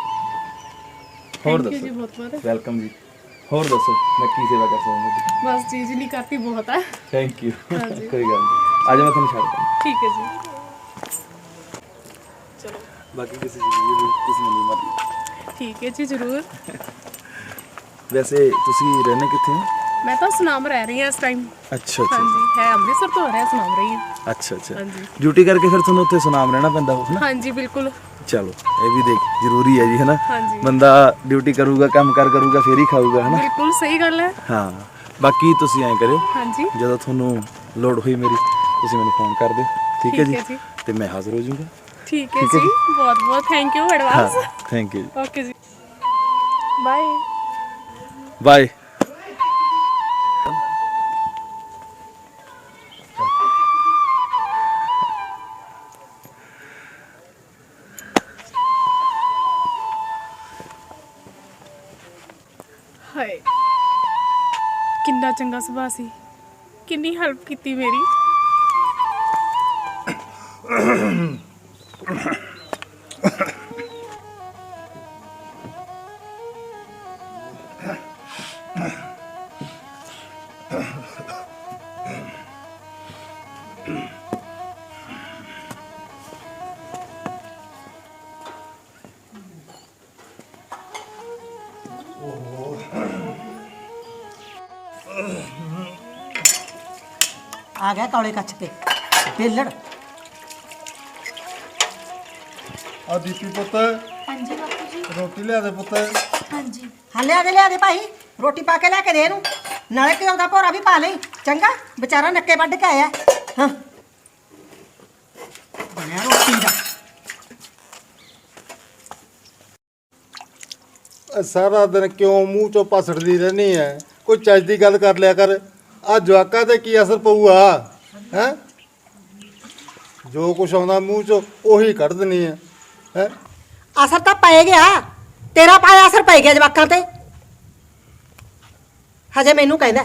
Speaker 2: ਹੋਰ
Speaker 7: Thank you
Speaker 2: ਦੱਸੋ।
Speaker 7: ਜੀ ਬਹੁਤ ਬਹੁਤ।
Speaker 2: ਵੈਲਕਮ ਜੀ। ਹੋਰ ਦੱਸੋ ਮੈਂ ਕੀ ਸੇਵਾ ਕਰ ਸਕਦਾ ਜੀ?
Speaker 7: ਬਸ ਚੀਜ਼ ਨਹੀਂ ਕਰਤੀ ਬਹੁਤ ਹੈ।
Speaker 2: Thank you.
Speaker 7: ਹਾਂਜੀ।
Speaker 2: ਕੋਈ ਗੱਲ ਨਹੀਂ, ਅੱਜ ਮੈਂ ਤੁਹਾਨੂੰ ਛੱਡ ਦਾਂ।
Speaker 7: ਠੀਕ ਹੈ ਜੀ। ਚਲੋ
Speaker 2: ਬਾਕੀ ਕਿਸੇ ਚੀਜ਼ ਦੀ ਵੀ ਤੁਸੀਂ ਮੈਨੂੰ ਮਤ।
Speaker 7: ਠੀਕ ਹੈ ਜੀ ਜ਼ਰੂਰ।
Speaker 2: ਵੈਸੇ ਤੁਸੀਂ ਰਹਿੰਦੇ ਕਿੱਥੇ ਹੋ?
Speaker 7: ਮੈਂ ਤਾਂ ਸੁਨਾਮ ਰਹਿ ਰਹੀ ਹਾਂ ਇਸ ਟਾਈਮ।
Speaker 2: ਅੱਛਾ ਅੱਛਾ
Speaker 7: ਹਾਂਜੀ, ਹੈ ਅੰਮ੍ਰਿਤਸਰ ਤੋਂ ਆ ਰਿਹਾ ਸੁਨਾਮ ਰਹੀ ਹਾਂ।
Speaker 2: ਅੱਛਾ ਅੱਛਾ
Speaker 7: ਹਾਂਜੀ।
Speaker 2: ਡਿਊਟੀ ਕਰਕੇ ਫਿਰ ਤੁਹਾਨੂੰ ਉੱਥੇ ਸੁਨਾਮ ਰਹਿਣਾ ਪੈਂਦਾ ਹੋ ਨਾ?
Speaker 7: ਹਾਂਜੀ ਬਿਲਕੁਲ।
Speaker 2: ਚਲੋ ਇਹ ਵੀ ਦੇਖ ਜ਼ਰੂਰੀ ਹੈ ਜੀ ਹਨਾ।
Speaker 7: ਹਾਂਜੀ।
Speaker 2: ਬੰਦਾ ਡਿਊਟੀ ਕਰੂਗਾ ਕੰਮ ਕਾਰ ਕਰੂਗਾ ਫੇਰ ਹੀ ਖਾਊਗਾ ਹਨਾ।
Speaker 7: ਬਿਲਕੁਲ ਸਹੀ ਗੱਲ ਹੈ।
Speaker 2: ਹਾਂ ਬਾਕੀ ਤੁਸੀਂ ਐਂ ਕਰਿਓ,
Speaker 7: ਹਾਂਜੀ
Speaker 2: ਜਦੋਂ ਤੁਹਾਨੂੰ ਲੋੜ ਹੋਈ ਮੇਰੀ ਤੁਸੀਂ ਮੈਨੂੰ ਫੋਨ ਕਰ ਦਿਓ, ਠੀਕ ਹੈ
Speaker 7: ਠੀਕ ਹੈ
Speaker 2: ਜੀ?
Speaker 7: ਜੀ।
Speaker 2: ਤੇ ਮੈਂ ਹਾਜ਼ਰ ਹੋ ਜਾਊਂਗਾ।
Speaker 7: ਠੀਕ ਹੈ ਜੀ, ਬਹੁਤ ਬਹੁਤ ਥੈਂਕ ਯੂ
Speaker 2: ਹਾਂ
Speaker 7: ਐਡਵਾਂਸ।
Speaker 2: ਥੈਂਕ ਯੂ ਜੀ।
Speaker 7: ਓਕੇ ਜੀ, ਬਾਏ।
Speaker 2: ਬਾਏ।
Speaker 7: ਹਾਏ ਕਿੰਨਾ ਚੰਗਾ ਸੁਭਾਅ ਸੀ, ਕਿੰਨੀ ਹੈਲਪ ਕੀਤੀ ਮੇਰੀ।
Speaker 4: ਆ ਗਿਆ ਕੌਲੇ ਕੱਚ ਕੇ ਬੇਲੜ।
Speaker 5: ਆ ਦੀਪੀ ਪੁੱਤ,
Speaker 3: ਹਾਂਜੀ ਬਾਪੂ ਜੀ।
Speaker 5: ਰੋਟੀ ਲਿਆ ਦੇ ਪੁੱਤ।
Speaker 3: ਹਾਂਜੀ
Speaker 4: ਹਾਂ ਲਿਆ ਦੇ ਲਿਆ ਦੇ ਭਾਈ, ਰੋਟੀ ਪਾ ਕੇ ਲੈ ਕੇ ਦੇ ਇਹਨੂੰ, ਨਾਲੇ ਘਿਓ ਦਾ ਭੋਰਾ ਵੀ ਪਾ ਲਈ ਚੰਗਾ, ਵਿਚਾਰਾ ਨੱਕੇ ਵੱਢ ਕੇ ਆਇਆ। ਹਾਂ ਬਣਿਆ ਰੋਟੀ ਦਾ।
Speaker 5: ਇਹ ਸਾਰਾ ਦਿਨ ਕਿਉਂ ਮੂੰਹ ਚੋਂ ਪਸੜਦੀ ਰਹਿਣੀ ਐ? ਕੋਈ ਚੱਜ ਦੀ ਗੱਲ ਕਰ ਲਿਆ ਕਰ। ਆ ਜਵਾਕਾਂ ਤੇ ਕੀ ਅਸਰ ਪਊਗਾ ਹੈ? ਜੋ ਕੁਛ ਆਉਂਦਾ ਮੂੰਹ ਚੋਂ ਉਹੀ ਕੱਢ ਦਿੰਨੀ ਐ ਹੈ।
Speaker 4: ਅਸਰ ਤਾਂ ਪੈ ਗਿਆ, ਤੇਰਾ ਪਾਇਆ ਅਸਰ ਪੈ ਗਿਆ ਜਵਾਕਾਂ ਤੇ। ਹਜੇ ਮੈਨੂੰ ਕਹਿੰਦਾ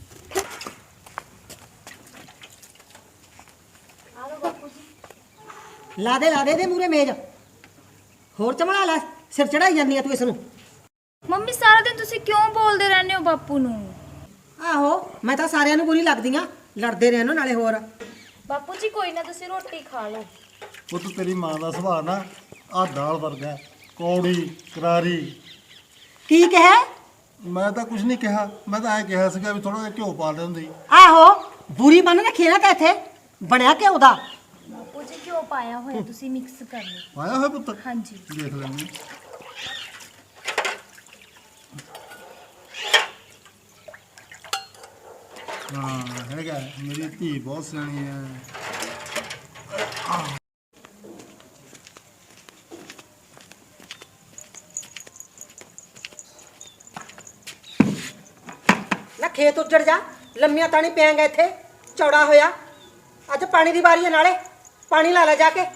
Speaker 4: ਲਾ ਦੇ ਲਾ ਦੇ ਦੇ ਮੂਰੇ ਮੇਜ਼, ਹੋਰ ਚਮੜਾ ਲੈ, ਸਿਰ ਚੜਾਈ ਜਾਂਦੀ ਆ ਤੂੰ ਇਸ ਨੂੰ।
Speaker 3: ਮੰਮੀ ਸਾਰਾ ਦਿਨ ਤੁਸੀਂ ਕਿਉਂ ਬੋਲਦੇ ਰਹਿੰਦੇ ਹੋ ਬਾਪੂ ਨੂੰ?
Speaker 4: ਆਹੋ ਮੈਂ ਤਾਂ ਸਾਰਿਆਂ ਨੂੰ ਬੁਰੀ ਲੱਗਦੀ ਆ, ਲੜਦੇ ਰਹਿਣੋ ਨਾਲੇ ਹੋਰ।
Speaker 3: ਬਾਪੂ ਜੀ ਕੋਈ ਨਾ, ਤੁਸੀਂ ਰੋਟੀ ਖਾ ਲਓ।
Speaker 5: ਪੁੱਤ ਤੇਰੀ ਮਾਂ ਦਾ ਸੁਭਾਅ ਨਾ ਆ ਦਾਲ ਵਰਗਾ, ਕੌੜੀ ਕਰਾਰੀ।
Speaker 4: ਕੀ ਕਿਹਾ?
Speaker 5: ਮੈਂ ਤਾਂ ਕੁਝ ਨਹੀਂ ਕਿਹਾ, ਮੈਂ ਤਾਂ ਐ ਕਿਹਾ ਸੀਗਾ ਵੀ ਥੋੜਾ ਜਿਹਾ ਘਿਓ ਪਾ ਲੈ ਹੁੰਦੀ।
Speaker 4: ਆਹੋ ਬੁਰੀ ਬੰਨ ਰੱਖੀ ਨਾ ਤਾਂ ਇੱਥੇ ਬਣਿਆ ਘਿਓ ਦਾ।
Speaker 3: ਬਾਪੂ ਜੀ ਕਿਉਂ ਪਾਇਆ ਹੋਇਆ, ਤੁਸੀਂ ਮਿਕਸ ਕਰ ਲਓ।
Speaker 5: ਆਇਆ ਹੋਇਆ ਪੁੱਤ,
Speaker 3: ਹਾਂਜੀ
Speaker 5: ਦੇਖ ਲੈਂਦੇ। ਹਾਂ ਹੈਗਾ, ਮੇਰੀ ਧੀ ਬਹੁਤ ਸਿਆਣੀ ਹੈ।
Speaker 4: ਨਾ ਖੇਤ ਉੱਜੜ ਜਾ, ਲੰਮੀਆਂ ਤਾਂ ਨਹੀਂ ਪਿਆਂਗਾ ਇੱਥੇ, ਚੌੜਾ ਹੋਇਆ। ਅੱਜ ਪਾਣੀ ਦੀ ਵਾਰੀ ਹੈ, ਨਾਲੇ ਪਾਣੀ ਲਾ ਲੈ ਜਾ ਕੇ।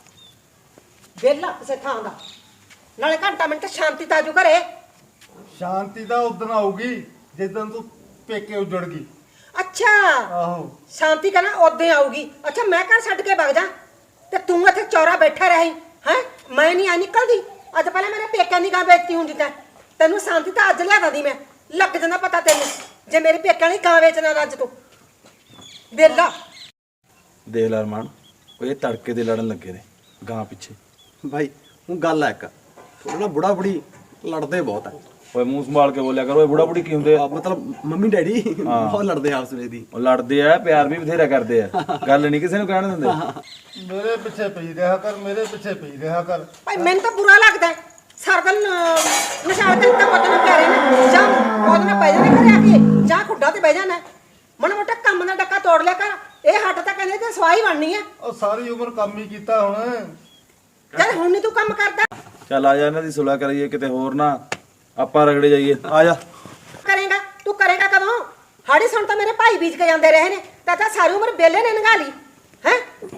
Speaker 4: ਵਿਹਲਾ ਕਿਸੇ ਥਾਂ ਦਾ, ਨਾਲੇ ਘੰਟਾ ਮਿੰਟ ਸ਼ਾਂਤੀ ਤਾਜੂ ਘਰੇ।
Speaker 5: ਸ਼ਾਂਤੀ ਤਾਂ ਉਦੋਂ ਆਊਗੀ ਜਿੱਦਣ ਤੂੰ ਪੇਕੇ ਉੱਜੜ ਗਈ।
Speaker 4: ਅੱਛਾ
Speaker 5: ਆਹੋ
Speaker 4: ਸ਼ਾਂਤੀ ਕਹਿੰਦਾ ਉਦੋਂ ਆਊਗੀ। ਅੱਛਾ ਮੈਂ ਘਰ ਛੱਡ ਕੇ ਵਗ ਜਾ ਤੇ ਤੂੰ ਇੱਥੇ ਚੌਰਾ ਬੈਠਾ ਰਹੀ ਹੈ? ਮੈਂ ਨਹੀਂ ਆ ਨਿਕਲਦੀ। ਅੱਜ ਪਹਿਲਾਂ ਮੇਰੇ ਪੇਕਿਆਂ ਦੀ ਗਾਂ ਵੇਚਤੀ ਹੁੰਦੀ ਤਾਂ ਤੈਨੂੰ ਸ਼ਾਂਤੀ ਤਾਂ ਅੱਜ ਲਿਆਦਾ ਦੀ ਮੈਂ, ਲੱਗ ਜਾਂਦਾ ਪਤਾ ਤੈਨੂੰ ਜੇ ਮੇਰੇ ਪੇਕਿਆਂ ਦੀ ਗਾਂ ਵੇਚਣਾ ਅੱਜ ਤੂੰ। ਵਿਹਲਾ
Speaker 2: ਦੇਖ ਲੈ ਅਰਮਾਨ, ਉਹ ਇਹ ਤੜਕੇ ਦੇ ਲੜਨ ਲੱਗੇ ਨੇ ਗਾਂ ਪਿੱਛੇ।
Speaker 9: ਭਾਈ ਹੁਣ ਗੱਲ ਹੈ ਇੱਕ, ਥੋੜਾ ਨਾ ਬੁੜਾ ਬੁੜੀ ਲੜਦੇ ਬਹੁਤ ਹੈ।
Speaker 2: ਓਏ ਮੂੰਹ ਸੰਭਾਲ ਕੇ ਬੋਲਿਆ ਕਰੋ, ਇਹ ਬੁੜਾ ਬੁੜੀ ਕੀ ਹੁੰਦੇ ਆ?
Speaker 9: ਆ, ਮਤਲਬ ਮੰਮੀ ਡੈਡੀ ਬਹੁਤ ਲੜਦੇ ਆ ਆਪਸ ਵਿੱਚ ਦੀ।
Speaker 2: ਉਹ ਲੜਦੇ ਆ, ਪਿਆਰ ਵੀ ਬਥੇਰਾ ਕਰਦੇ ਆ, ਗੱਲ ਨਹੀਂ ਕਿਸੇ ਨੂੰ ਕਹਿਣ ਦਿੰਦੇ।
Speaker 5: ਮੇਰੇ ਪਿੱਛੇ ਪਈ ਰਿਹਾ ਕਰ, ਮੇਰੇ ਪਿੱਛੇ ਪਈ ਰਿਹਾ ਕਰ।
Speaker 4: ਭਾਈ ਮੈਨੂੰ ਤਾਂ ਬੁਰਾ ਲੱਗਦਾ ਹੈ। ਸਾਰਾ ਦਿਨ ਨਿਸ਼ਾਨ ਤੇ ਤਾਂ ਪਤਾ ਨਹੀਂ ਪਿਆਰੇ ਨੇ ਜਾਂ ਉਹਦੇ ਨਾਲ ਪੈ ਜਾਣੇ ਘਰੇ ਆ ਕੇ, ਜਾਂ ਖੁੱਡਾ ਤੇ ਬਹਿ ਜਾਣਾ। ਮਨ ਮੋਟਾ ਕੰਮ ਦਾ ਡੱਕਾ ਤੋੜ ਲਿਆ ਕਰ। ਇਹ ਹੱਟ ਤਾਂ ਕਹਿੰਦੇ ਤੇ ਸਵਾਈ ਬਣਨੀ ਹੈ।
Speaker 5: ਉਹ ਸਾਰੀ ਉਮਰ ਕੰਮ ਹੀ ਕੀਤਾ ਹੁਣ।
Speaker 4: ਚੱਲ ਹੁਣ ਨਹੀਂ ਤੂੰ ਕੰਮ ਕਰਦਾ।
Speaker 2: ਚੱਲ ਆ ਜਾ, ਇਹਨਾਂ ਦੀ ਸੁਲਾ ਕਰੀਏ, ਕਿਤੇ ਹੋਰ ਨਾ ਆਪਾਂ ਰਗੜੇ ਜਾਈਏ। ਆ ਜਾ।
Speaker 4: ਕਰੇਗਾ ਤੂੰ ਕਰੇਗਾ ਕਦੋਂ? ਹਾੜੀ ਸੁਣ ਤਾਂ ਮੇਰੇ ਭਾਈ ਬੀਜ ਕੇ ਜਾਂਦੇ ਰਹੇ ਨੇ, ਤਾਂ ਤਾਂ ਸਾਰੀ ਉਮਰ ਬੇਲੇ ਨੇ ਨੰਗਾ ਲਈ ਹੈ।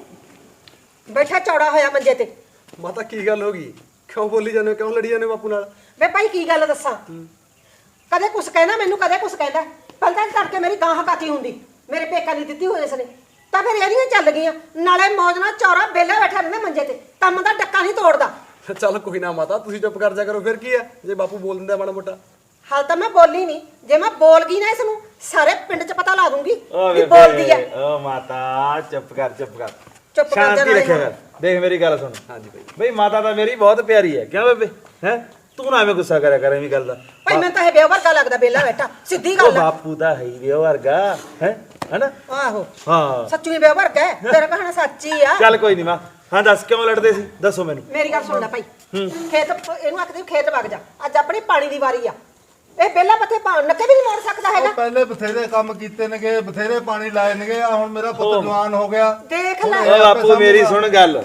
Speaker 4: ਬੈਠਾ ਚੌੜਾ ਹੋਇਆ ਮੰਜੇ ਤੇ।
Speaker 9: ਮਾਤਾ ਕੀ ਗੱਲ ਹੋ ਗਈ? ਕਿਉਂ ਬੋਲੀ ਜਾਂਦੇ ਹੋ? ਕਿਉਂ ਲੜੀ ਜਾਂਦੇ ਹੋ ਬਾਪੂ ਨਾਲ?
Speaker 4: ਵੇ ਭਾਈ ਕੀ ਗੱਲ ਦੱਸਾਂ, ਕਦੇ ਕੁਛ ਕਹਿੰਦਾ ਮੈਨੂੰ, ਕਦੇ ਕੁਛ ਕਹਿੰਦਾ। ਪਹਿਲਾਂ ਕਰਕੇ ਮੇਰੀ ਗਾਂ ਹਕਾਤੀ ਹੁੰਦੀ, ਮੇਰੇ ਪੇਕਾ ਦੀ ਦਿੱਤੀ ਹੋਈ ਇਸਨੇ, ਤਾਂ ਫਿਰ ਇਹਦੀਆਂ ਚੱਲ ਗਈਆਂ। ਨਾਲੇ ਮੌਜ ਨਾਲ ਚੌਰਾ ਬੇਲਾ ਬੈਠਾ ਰਹਿੰਦਾ ਮੰਜੇ ਤੇ, ਕੰਮ ਦਾ ਡੱਕਾ ਨਹੀਂ ਤੋੜਦਾ।
Speaker 9: ਚੱਲ ਕੋਈ ਨਾ ਮਾਤਾ, ਤੁਸੀਂ ਚੁੱਪ ਕਰ ਜਾ ਕਰੋ, ਫਿਰ ਕੀ ਹੈ ਜੇ ਬਾਪੂ ਬੋਲ ਦਿੰਦਾ ਮਾੜਾ ਮੋਟਾ।
Speaker 4: ਹਾਲ ਤਾਂ ਮੈਂ ਬੋਲੀ ਨਹੀਂ, ਜੇ ਮੈਂ ਬੋਲ ਗਈ ਨਾ ਇਸ ਨੂੰ ਸਾਰੇ ਪਿੰਡ 'ਚ ਪਤਾ ਲਾ ਦੂੰਗੀ ਵੀ ਬੋਲਦੀ ਹੈ।
Speaker 2: ਓ ਮਾਤਾ ਚੁੱਪ ਕਰ, ਚੁੱਪ ਕਰ,
Speaker 4: ਚੁੱਪ ਕਰ
Speaker 2: ਸ਼ਾਂਤੀ
Speaker 4: ਜਾ
Speaker 2: ਰੱਖਿਆ ਕਰ। ਦੇਖ ਮੇਰੀ ਗੱਲ ਸੁਣ।
Speaker 9: ਹਾਂਜੀ ਭਾਈ।
Speaker 2: ਬਈ ਮਾਤਾ ਤਾਂ ਮੇਰੀ ਬਹੁਤ ਪਿਆਰੀ ਹੈ, ਕਿਉਂ ਬੇਬੇ? ਹੈ ਤੂੰ ਨਾ ਐਵੇਂ ਗੁੱਸਾ ਕਰਿਆ ਕਰ ਐਵੇਂ ਗੱਲ ਦਾ
Speaker 4: ਭਾਈ ਮੈਨੂੰ ਤਾਂ ਇਹ ਬੇਵਰ ਵਰਗਾ ਲੱਗਦਾ ਬੇਲਾ ਬੈਠਾ ਸਿੱਧੀ
Speaker 2: ਉਹ
Speaker 4: ਗੱਲ ਆ।
Speaker 2: ਬਾਪੂ ਦਾ ਹੈ ਹੀ ਵੇ ਵਰਗਾ ਹੈ ਹਨਾ
Speaker 4: ਆਹੋ
Speaker 2: ਹਾਂ
Speaker 4: ਸੱਚੀ ਬੇਵਰ ਵਰਗਾ ਹੈ, ਤੇਰਾ ਕਹਣਾ ਸੱਚੀ ਆ।
Speaker 2: ਚੱਲ ਕੋਈ ਨਹੀਂ ਮਾਂ ਹਾਂ ਦੱਸ ਕਿਉਂ ਲੜਦੇ ਸੀ ਦੱਸੋ ਮੈਨੂੰ
Speaker 4: ਮੇਰੀ ਗੱਲ ਸੁਣ ਲੈ ਭਾਈ ਖੇਤ ਇਹਨੂੰ ਆਖਦੇ ਵੀ ਖੇਤ ਵਗ ਜਾ ਅੱਜ ਆਪਣੀ ਪਾਣੀ ਦੀ ਵਾਰੀ ਆ। ਇਹ ਬੇਲਾ ਪੱਥੇ ਨੱਕੇ ਵੀ ਨਹੀਂ ਮੋੜ ਸਕਦਾ ਹੈਗਾ।
Speaker 5: ਉਹ ਪਹਿਲੇ ਬਥੇਰੇ ਕੰਮ ਕੀਤੇ ਨੇਗੇ ਬਥੇਰੇ ਪਾਣੀ ਲਾਏ ਨੇਗੇ ਆ ਹੁਣ ਮੇਰਾ ਪੁੱਤ ਜਵਾਨ ਹੋ ਗਿਆ
Speaker 4: ਦੇਖ ਲੈ
Speaker 2: ਓ ਬਾਪੂ ਮੇਰੀ ਸੁਣ ਗੱਲ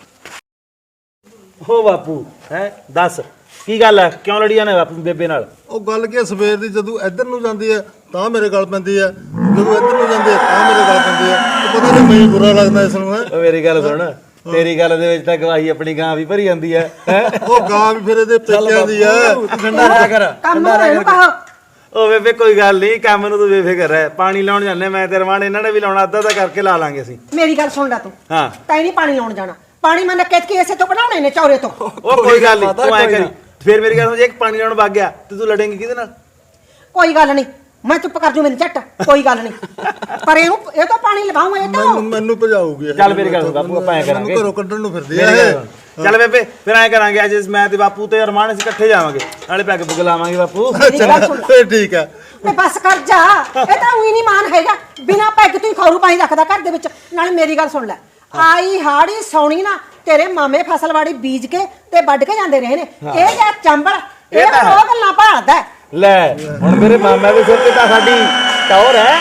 Speaker 2: ਓ ਬਾਪੂ ਹੈ ਦੱਸ ਕੀ ਗੱਲ ਹੈ ਕਿਉਂ ਲੜੀ ਜਾਂਦੇ ਬਾਪੂ ਬੇਬੇ ਨਾਲ
Speaker 5: ਉਹ ਗੱਲ ਕੀ ਆ, ਸਵੇਰ ਦੀ ਜਦੋਂ ਇੱਧਰ ਨੂੰ ਜਾਂਦੀ ਹੈ ਤਾਂ ਮੇਰੇ ਗਲ ਪੈਂਦੀ ਹੈ ਜਦੋਂ ਇੱਧਰ ਨੂੰ ਜਾਂਦੀ ਹੈ ਤਾਂ ਮੇਰੇ ਗਲ ਪੈਂਦੀ ਹੈ ਉਹ ਪਤਾ ਨਹੀਂ ਮੈਨੂੰ ਬੁਰਾ ਲੱਗਦਾ ਇਸ ਨੂੰ ਹੈ
Speaker 2: ਓ ਮੇਰੀ ਗੱਲ ਸੁਣ ਤੇਰੀ ਗੱਲ ਦੇ ਵਿੱਚ ਤਾਂ ਗਵਾਹੀ ਆਪਣੀ ਗਾਂ ਵੀ ਭਰੀ ਜਾਂਦੀ ਹੈ ਹੈ
Speaker 5: ਉਹ ਗਾਂ ਵੀ ਫਿਰ ਇਹਦੇ ਪੇਕਿਆਂ ਦੀ ਹੈ
Speaker 2: ਠੰਡਾ ਰਹਿ ਕਰ
Speaker 4: ਕੰਮ ਇਹਨੂੰ ਕਹੋ
Speaker 2: ਓ ਬੇਬੇ ਕੋਈ ਗੱਲ ਨਹੀਂ ਕੰਮ ਨੂੰ ਤੂੰ ਬੇਫਿਕਰ ਰਹਿ ਪਾਣੀ ਲਾਉਣ ਜਾਂਦੇ ਮੈਂ ਤੇ ਰਵਾਨ ਇਹਨਾਂ ਨੇ ਵੀ ਲਾਉਣਾ ਅੱਧਾ ਤਾਂ ਕਰਕੇ ਲਾ ਲਾਂਗੇ ਅਸੀਂ
Speaker 4: ਮੇਰੀ ਗੱਲ ਸੁਣ ਲੈ ਤੂੰ
Speaker 2: ਹਾਂ
Speaker 4: ਤੈਨੂੰ ਨਹੀਂ ਪਾਣੀ ਲਾਉਣ ਜਾਣਾ ਪਾਣੀ ਮੈਂ ਨੱਕੇ ਕੀ ਇਸੇ ਤੋਂ ਬਣਾਉਣੇ ਨੇ ਚੌਰੇ ਤੋਂ।
Speaker 2: ਉਹ ਕੋਈ ਗੱਲ ਨਹੀਂ ਤੂੰ ਐ ਕਰੀ ਫਿਰ ਮੇਰੀ ਗੱਲ ਸੁਣ ਜੇ ਇੱਕ ਪਾਣੀ ਲਾਉਣ ਵਗ ਗਿਆ ਤੇ ਤੂੰ ਲੜੇਂਗੀ ਕਿਹਦੇ ਨਾਲ
Speaker 4: ਕੋਈ ਗੱਲ ਨਹੀਂ ਮੈਂ ਚੁੱਪ ਕਰ ਜੂ ਮੈਨੂੰ ਝੱਟ ਕੋਈ ਗੱਲ ਨਹੀਂ ਪਰ ਇਹਨੂੰ ਇਹ ਤਾਂ ਪਾਣੀ ਲਵਾਉਂ ਇਹ ਤਾਂ
Speaker 5: ਮੈਨੂੰ ਮੈਨੂੰ ਭਜਾਊਗੀ ਇਹ।
Speaker 2: ਚੱਲ ਮੇਰੀ ਗੱਲ ਸੁਣ ਬਾਪੂ ਆਪਾਂ ਐ ਕਰਾਂਗੇ
Speaker 5: ਮੈਨੂੰ ਘਰੋਂ ਕੱਢਣ ਨੂੰ ਫਿਰਦੀ
Speaker 2: ਮੇਰੀ
Speaker 5: ਹੈ
Speaker 2: ਗੱਲ ਸੁਣ। ਚੱਲ ਬੇਬੇ ਫਿਰ ਐ ਕਰਾਂਗੇ ਅੱਜ ਮੈਂ ਤੇ ਬਾਪੂ ਤੇ ਅਰਮਾਨ ਅਸੀਂ ਇਕੱਠੇ ਜਾਵਾਂਗੇ ਨਾਲੇ ਪੈਗ ਪੁਗ ਲਾਵਾਂਗੇ ਬਾਪੂ
Speaker 4: ਮੇਰੀ ਗੱਲ ਸੁਣ
Speaker 5: ਫੇਰ ਠੀਕ ਹੈ
Speaker 4: ਤੇ ਬਸ ਕਰ ਜਾ ਇਹ ਤਾਂ ਉਹੀ ਨਹੀਂ ਮਾਨ ਹੈਗਾ ਬਿਨਾ ਪੈਗ ਤੂੰ ਖੌਰੂ ਪਾਣੀ ਰੱਖਦਾ ਘਰ ਦੇ ਵਿੱਚ ਨਾਲੇ ਮੇਰੀ ਗੱਲ ਸੁਣ ਲੈ ਆਈ ਹਾੜੀ ਸੌਣੀ ਨਾ ਤੇਰੇ ਮਾਮੇ ਫਸਲਵਾੜੀ ਬੀਜ ਕੇ ਤੇ ਵੱਢ ਕੇ ਜਾਂਦੇ ਰਹੇ ਨੇ ਇਹ ਜਾਂ ਚੰਬਲ ਇਹ ਤਾਂ ਉਹ ਗੱਲਾਂ ਭਾਲਦਾ ਹੈ।
Speaker 2: ਲੈ ਹੁਣ ਮੇਰੇ ਮਾਮਾ ਦੇ ਸਿਰ ਤੇ ਤਾਂ ਸਾਡੀ ਟੌਰ ਹੈ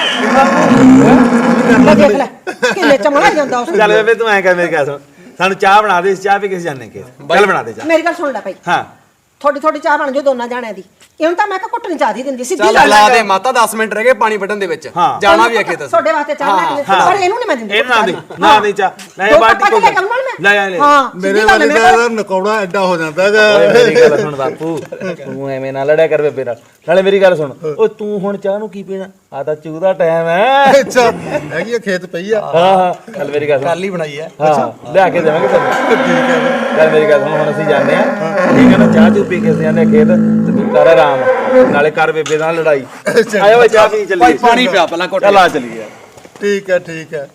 Speaker 4: ਲੈ ਦੇਖ ਲੈ ਕਿੰਨੇ ਚਮੜਾ ਜਾਂਦਾ ਉਸ
Speaker 2: ਚੱਲ ਬੇਬੇ ਤੂੰ ਐ ਕਰ ਮੇਰੀ ਗੱਲ ਸੁਣ ਸਾਨੂੰ ਚਾਹ ਬਣਾ ਦੇ ਚਾਹ ਪੀ ਕੇ ਜਾਣੇ ਕੇ ਚੱਲ ਬਣਾ ਦੇ ਚਾਹ
Speaker 4: ਮੇਰੀ ਗੱਲ ਸੁਣ ਲੈ ਭਾਈ
Speaker 2: ਹਾਂ
Speaker 4: ਥੋੜੀ ਥੋੜੀ ਚਾਹ ਬਣ ਜੋ ਦੋਨਾਂ ਜਾਣਿਆਂ ਦੀ ਇਹਨੂੰ ਤਾਂ ਮੈਂ ਕਿਹਾ ਕੁੱਟਣੀ ਚਾਹ ਦੀ ਦਿੰਦੀ ਸਿੱਧੀ
Speaker 9: ਚੱਲ
Speaker 4: ਗੱਲ
Speaker 9: ਲਾ
Speaker 4: ਹੈ।
Speaker 9: ਦੇ ਮਾਤਾ ਦਸ ਮਿੰਟ ਰਹਿ ਗਏ ਪਾਣੀ ਵੱਢਣ ਦੇ ਵਿੱਚ
Speaker 2: ਹਾਂ।
Speaker 9: ਜਾਣਾ ਵੀ ਹੈ ਖੇਤ ਅਸੀਂ
Speaker 4: ਤੁਹਾਡੇ ਵਾਸਤੇ ਚਾਹ ਲੈ ਕੇ ਪਰ ਇਹਨੂੰ ਨਹੀਂ ਮੈਂ ਦਿੰਦੀ
Speaker 2: ਇਹ ਨਾ ਦੇ ਨਾ ਦੇ ਚਾਹ ਲੈ
Speaker 4: ਦੋ
Speaker 2: ਬਾਟੀ
Speaker 4: ਕੱਪ
Speaker 2: ਕੋ
Speaker 4: ਲੈ ਕੇ ਆਊਂ ਮੈਂ।
Speaker 2: ਲੈ ਆ ਲੈ
Speaker 4: ਹਾਂ
Speaker 5: ਮੇਰੇ
Speaker 4: ਸਿੱਧੀ ਗੱਲ
Speaker 5: ਵਾਲੇ
Speaker 4: ਹੈ, ਮੇਰੇ
Speaker 5: ਦਾ ਨਕੌੜਾ ਐਡਾ ਹੋ ਜਾਂਦਾ ਹੈਗਾ
Speaker 2: ਓਏ ਮੇਰੀ ਗੱਲ ਸੁਣ ਬਾਪੂ ਤੂੰ ਐਵੇਂ ਨਾ ਲੜਿਆ ਕਰ ਬੇਬੇ ਨਾਲ ਨਾਲੇ ਮੇਰੀ ਗੱਲ ਸੁਣ ਓ ਤੂੰ ਹੁਣ ਚਾਹ ਨੂੰ ਕੀ ਪੀਣਾ ਆ ਤਾਂ ਚੂਹ ਦਾ ਟਾਈਮ ਹੈ
Speaker 5: ਅੱਛਾ ਹੈਗੀ ਆ ਖੇਤ ਪਈ ਆ
Speaker 2: ਹਾਂ ਹਾਂ ਚੱਲ ਮੇਰੀ ਗੱਲ ਸੁਣ
Speaker 9: ਕੱਲ ਹੀ ਬਣਾਈ ਹੈ
Speaker 2: ਹਾਂ ਲਿਆ ਕੇ ਦੇਵਾਂਗੇ ਤੈਨੂੰ
Speaker 5: ਠੀਕ ਹੈ
Speaker 2: ਚੱਲ ਮੇਰੀ ਗੱਲ ਸੁਣ ਹੁਣ ਅਸੀਂ ਜਾਂਦੇ ਆ ਠੀਕ ਹੈ ਨਾ ਚਾਹ ਚੂ ਪੀ ਕੇ ਅਸੀਂ ਜਾਂਦੇ ਆ ਖੇਤ ਤੇ ਤੂੰ ਕਰ ਆਰਾਮ ਨਾਲੇ ਕਰ ਬੇਬੇ ਨਾਲ ਲੜਾਈ ਆਇਆ ਓਏ ਚਾਹ ਪੀ ਚੱਲੀਏ
Speaker 9: ਭਾਈ ਪਾਣੀ ਪਿਆ ਪਹਿਲਾਂ ਘੁੱਟ
Speaker 2: ਚੱਲ ਆ ਚੱਲੀਏ
Speaker 5: ਠੀਕ ਹੈ ਠੀਕ ਹੈ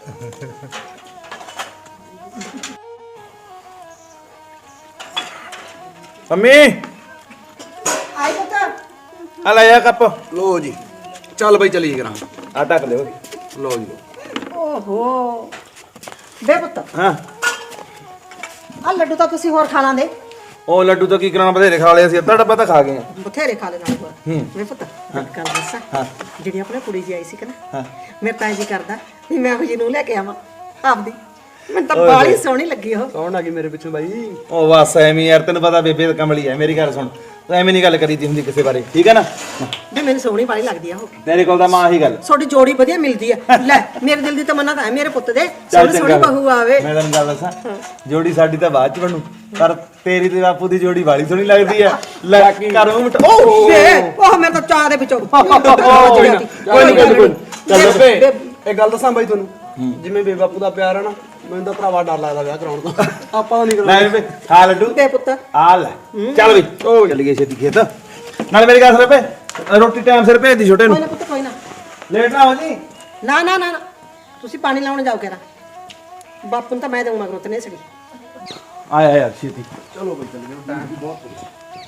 Speaker 2: ਮੰਮੀ
Speaker 4: ਆਈ ਪੁੱਤ
Speaker 2: ਆ ਲੈ ਆ ਕੱਪ
Speaker 9: ਲੋ ਜੀ ਚੱਲ ਬਈ ਚਲੀਏ ਕਰਾਂ
Speaker 2: ਆ ਟੱਕ ਲਿਓ
Speaker 9: ਲੋ ਜੀ ਲਓ।
Speaker 4: ਓਹੋ ਬੇ ਪੁੱਤ
Speaker 2: ਹਾਂ
Speaker 4: ਆ ਲੱਡੂ ਤਾਂ ਤੁਸੀਂ ਹੋਰ ਖਾ ਲਾਂਦੇ
Speaker 2: ਉਹ ਲੱਡੂ ਤਾਂ ਕੀ ਕਰਾਉਣਾ ਬਥੇਰੇ ਖਾ ਲਏ ਅਸੀਂ ਅੱਧਾ ਡੱਬਾ ਤਾਂ ਖਾ ਗਏ ਆ
Speaker 4: ਬਥੇਰੇ ਖਾ ਲੈਣਾ ਹੋਰ ਵੇ ਪੁੱਤ ਇੱਕ ਗੱਲ ਦੱਸਾਂ ਜਿਹੜੀ ਆਪਣੇ ਕੁੜੀ ਜੀ ਆਈ ਸੀ ਕਿ ਨਾ ਮੇਰੇ ਤਾਂ ਜੀ ਕਰਦਾ ਵੀ ਮੈਂ ਉਹ ਜੀ ਨੂੰ ਲੈ ਕੇ ਆਵਾਂ ਆਪਦੀ ਮੈਨੂੰ ਤਾਂ ਬਾਲੀ ਸੋਹਣੀ ਲੱਗੀ ਉਹ
Speaker 9: ਕੌਣ ਆ ਗਈ ਮੇਰੇ ਪਿੱਛੋਂ ਬਾਈ
Speaker 2: ਉਹ ਬਸ ਐਵੇਂ ਯਾਰ ਤੈਨੂੰ ਪਤਾ ਬੇਬੇ ਤਾਂ ਕਮਲੀ ਐ ਮੇਰੀ ਗੱਲ ਸੁਣ ਤੂੰ ਐਵੇਂ ਨਹੀਂ ਗੱਲ ਕਰੀਦੀ ਹੁੰਦੀ ਕਿਸੇ ਬਾਰੇ ਠੀਕ ਹੈ ਨਾ
Speaker 4: ਵੀ ਮੈਨੂੰ ਸੋਹਣੀ ਬਾਲੀ ਲੱਗਦੀ ਆ ਉਹ
Speaker 2: ਤੇਰੇ ਕੋਲ ਤਾਂ ਮਾਂ ਹੀ ਗੱਲ
Speaker 4: ਤੁਹਾਡੀ ਜੋੜੀ ਵਧੀਆ ਮਿਲਦੀ ਆ ਲੈ ਮੇਰੇ ਦਿਲ ਦੀ ਤਮੰਨਾ ਤਾਂ ਹੈ ਮੇਰੇ ਪੁੱਤ ਦੇ
Speaker 2: ਚੱਲ
Speaker 4: ਸੋਹਣੀ ਸੋਹਣੀ
Speaker 2: ਚੰਗਾ
Speaker 4: ਬਹੂ ਆਵੇ
Speaker 2: ਮੈਂ ਤੈਨੂੰ ਗੱਲ ਦੱਸਾਂ ਜੋੜੀ ਸਾਡੀ ਤਾਂ ਬਾਅਦ ਚ ਬਣੂ ਪਰ ਤੇਰੀ ਤੇ ਬਾਪੂ ਦੀ ਜੋੜੀ ਵਾਲੀ ਸੋਹਣੀ ਲੱਗਦੀ ਆ ਲੈ ਕਰ ਮੂੰਹ ਮਿਟਾ
Speaker 4: ਓ ਬੇ ਉਹ ਮੈਂ ਤਾਂ ਚਾਹ ਦੇ ਵਿੱਚੋਂ
Speaker 2: ਕੋਈ ਨਾ ਕੋਈ ਨਾ ਕੋਈ ਚੱਲ
Speaker 9: ਬੇ ਇਹ ਗੱਲ ਦੱਸਾਂ ਬਾਈ ਤੁਹਾਨੂੰ ਜਿਵੇਂ ਬੇ ਬਾਪੂ ਦਾ ਪਿਆਰ ਹੈ ਨਾ ਮੈਨੂੰ ਤਾਂ ਭਰਾਵਾ ਡਰ ਲੱਗਦਾ ਵਿਆਹ ਕਰਾਉਣ ਤੋਂ ਆਪਾਂ ਨਹੀਂ
Speaker 2: ਲੈ ਬੇਬੇ ਖਾ ਲੱਡੂ
Speaker 4: ਬੇ ਪੁੱਤ
Speaker 2: ਆ ਲੈ ਚੱਲ ਵੀ ਓ ਚੱਲ ਗਏ ਛੇਤੀ ਖੇਤ ਨਾਲ ਮੇਰੀ ਗੱਲ ਸੁਣ ਬੇ ਰੋਟੀ ਟਾਈਮ ਸਿਰ ਭੇਜ ਦੀ ਛੋਟੇ ਨੂੰ
Speaker 4: ਕੋਈ ਨਾ ਪੁੱਤ ਕੋਈ ਨਾ
Speaker 2: ਲੇਟ ਨਾ ਹੋ ਜੀ
Speaker 4: ਨਾ ਨਾ ਨਾ ਨਾ। ਤੁਸੀਂ ਪਾਣੀ ਲਾਉਣ ਜਾਓ ਕਿਹੜਾ ਬਾਪੂ ਨੂੰ ਤਾਂ ਮੈਂ ਦੇਉਂ ਮਗਰੋਂ ਤੇ ਨਹੀਂ ਸੜੀ
Speaker 2: ਆਇਆ ਯਾਰ ਛੇਤੀ
Speaker 9: ਚਲੋ ਬਈ ਚੱਲੀਏ ਟਾਈਮ ਵੀ ਬਹੁਤ ਹੋ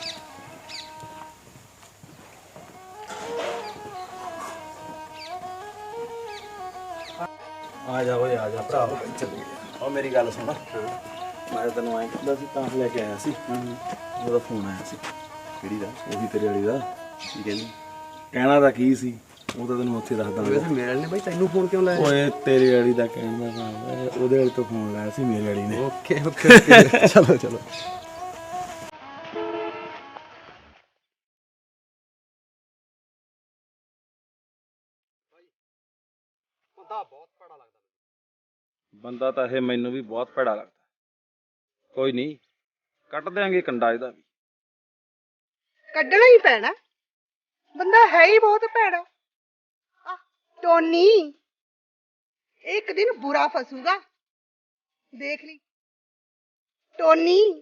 Speaker 2: ਆ ਜਾ ਓਏ ਆ ਜਾ ਭਰਾ ਉਹ ਮੇਰੀ ਗੱਲ ਸੁਣ ਮੈਂ ਤੈਨੂੰ ਐਂ ਕਹਿੰਦਾ ਸੀ ਤਾਂ ਲੈ ਕੇ ਆਇਆ ਸੀ ਉਹਦਾ ਫੋਨ ਆਇਆ ਸੀ ਕਿਹੜੀ ਦਾ ਉਹੀ ਤੇਰੇ ਵਾਲੀ ਦਾ ਕੀ ਕਹਿੰਦੀ ਕਹਿਣਾ ਤਾਂ ਕੀ ਸੀ ਉਹ ਤਾਂ ਤੈਨੂੰ ਉੱਥੇ ਦੱਸਦਾ
Speaker 9: ਵੈਸੇ ਮੇਰੇ ਵਾਲੇ ਨੇ ਬਾਈ ਤੈਨੂੰ ਫੋਨ ਕਿਉਂ ਲਾਇਆ
Speaker 2: ਓਏ ਤੇਰੇ ਵਾਲੀ ਦਾ ਕਹਿੰਦਾ ਮੈਂ ਉਹਦੇ ਵਾਲੀ ਤੋਂ ਫੋਨ ਲਾਇਆ ਸੀ ਮੇਰੇ ਵਾਲੀ ਨੇ
Speaker 9: ਓਕੇ ਓਕੇ ਓਕੇ ਚਲੋ ਚਲੋ
Speaker 2: ਬੰਦਾ ਤਾਂ ਇਹ ਮੈਨੂੰ ਵੀ ਬਹੁਤ ਭੈੜਾ ਲੱਗਦਾ ਕੋਈ ਨਹੀਂ ਕੱਟ ਦਿਆਂਗੇ ਕੰਡਾ ਇਹਦਾ ਵੀ
Speaker 10: ਕੱਢਣਾ ਹੀ ਪੈਣਾ ਬੰਦਾ ਹੈ ਹੀ ਬਹੁਤ ਭੈੜਾ ਆ ਟੋਨੀ ਇੱਕ ਦਿਨ ਬੁਰਾ ਫਸੂਗਾ ਦੇਖ ਲਈ ਟੋਨੀ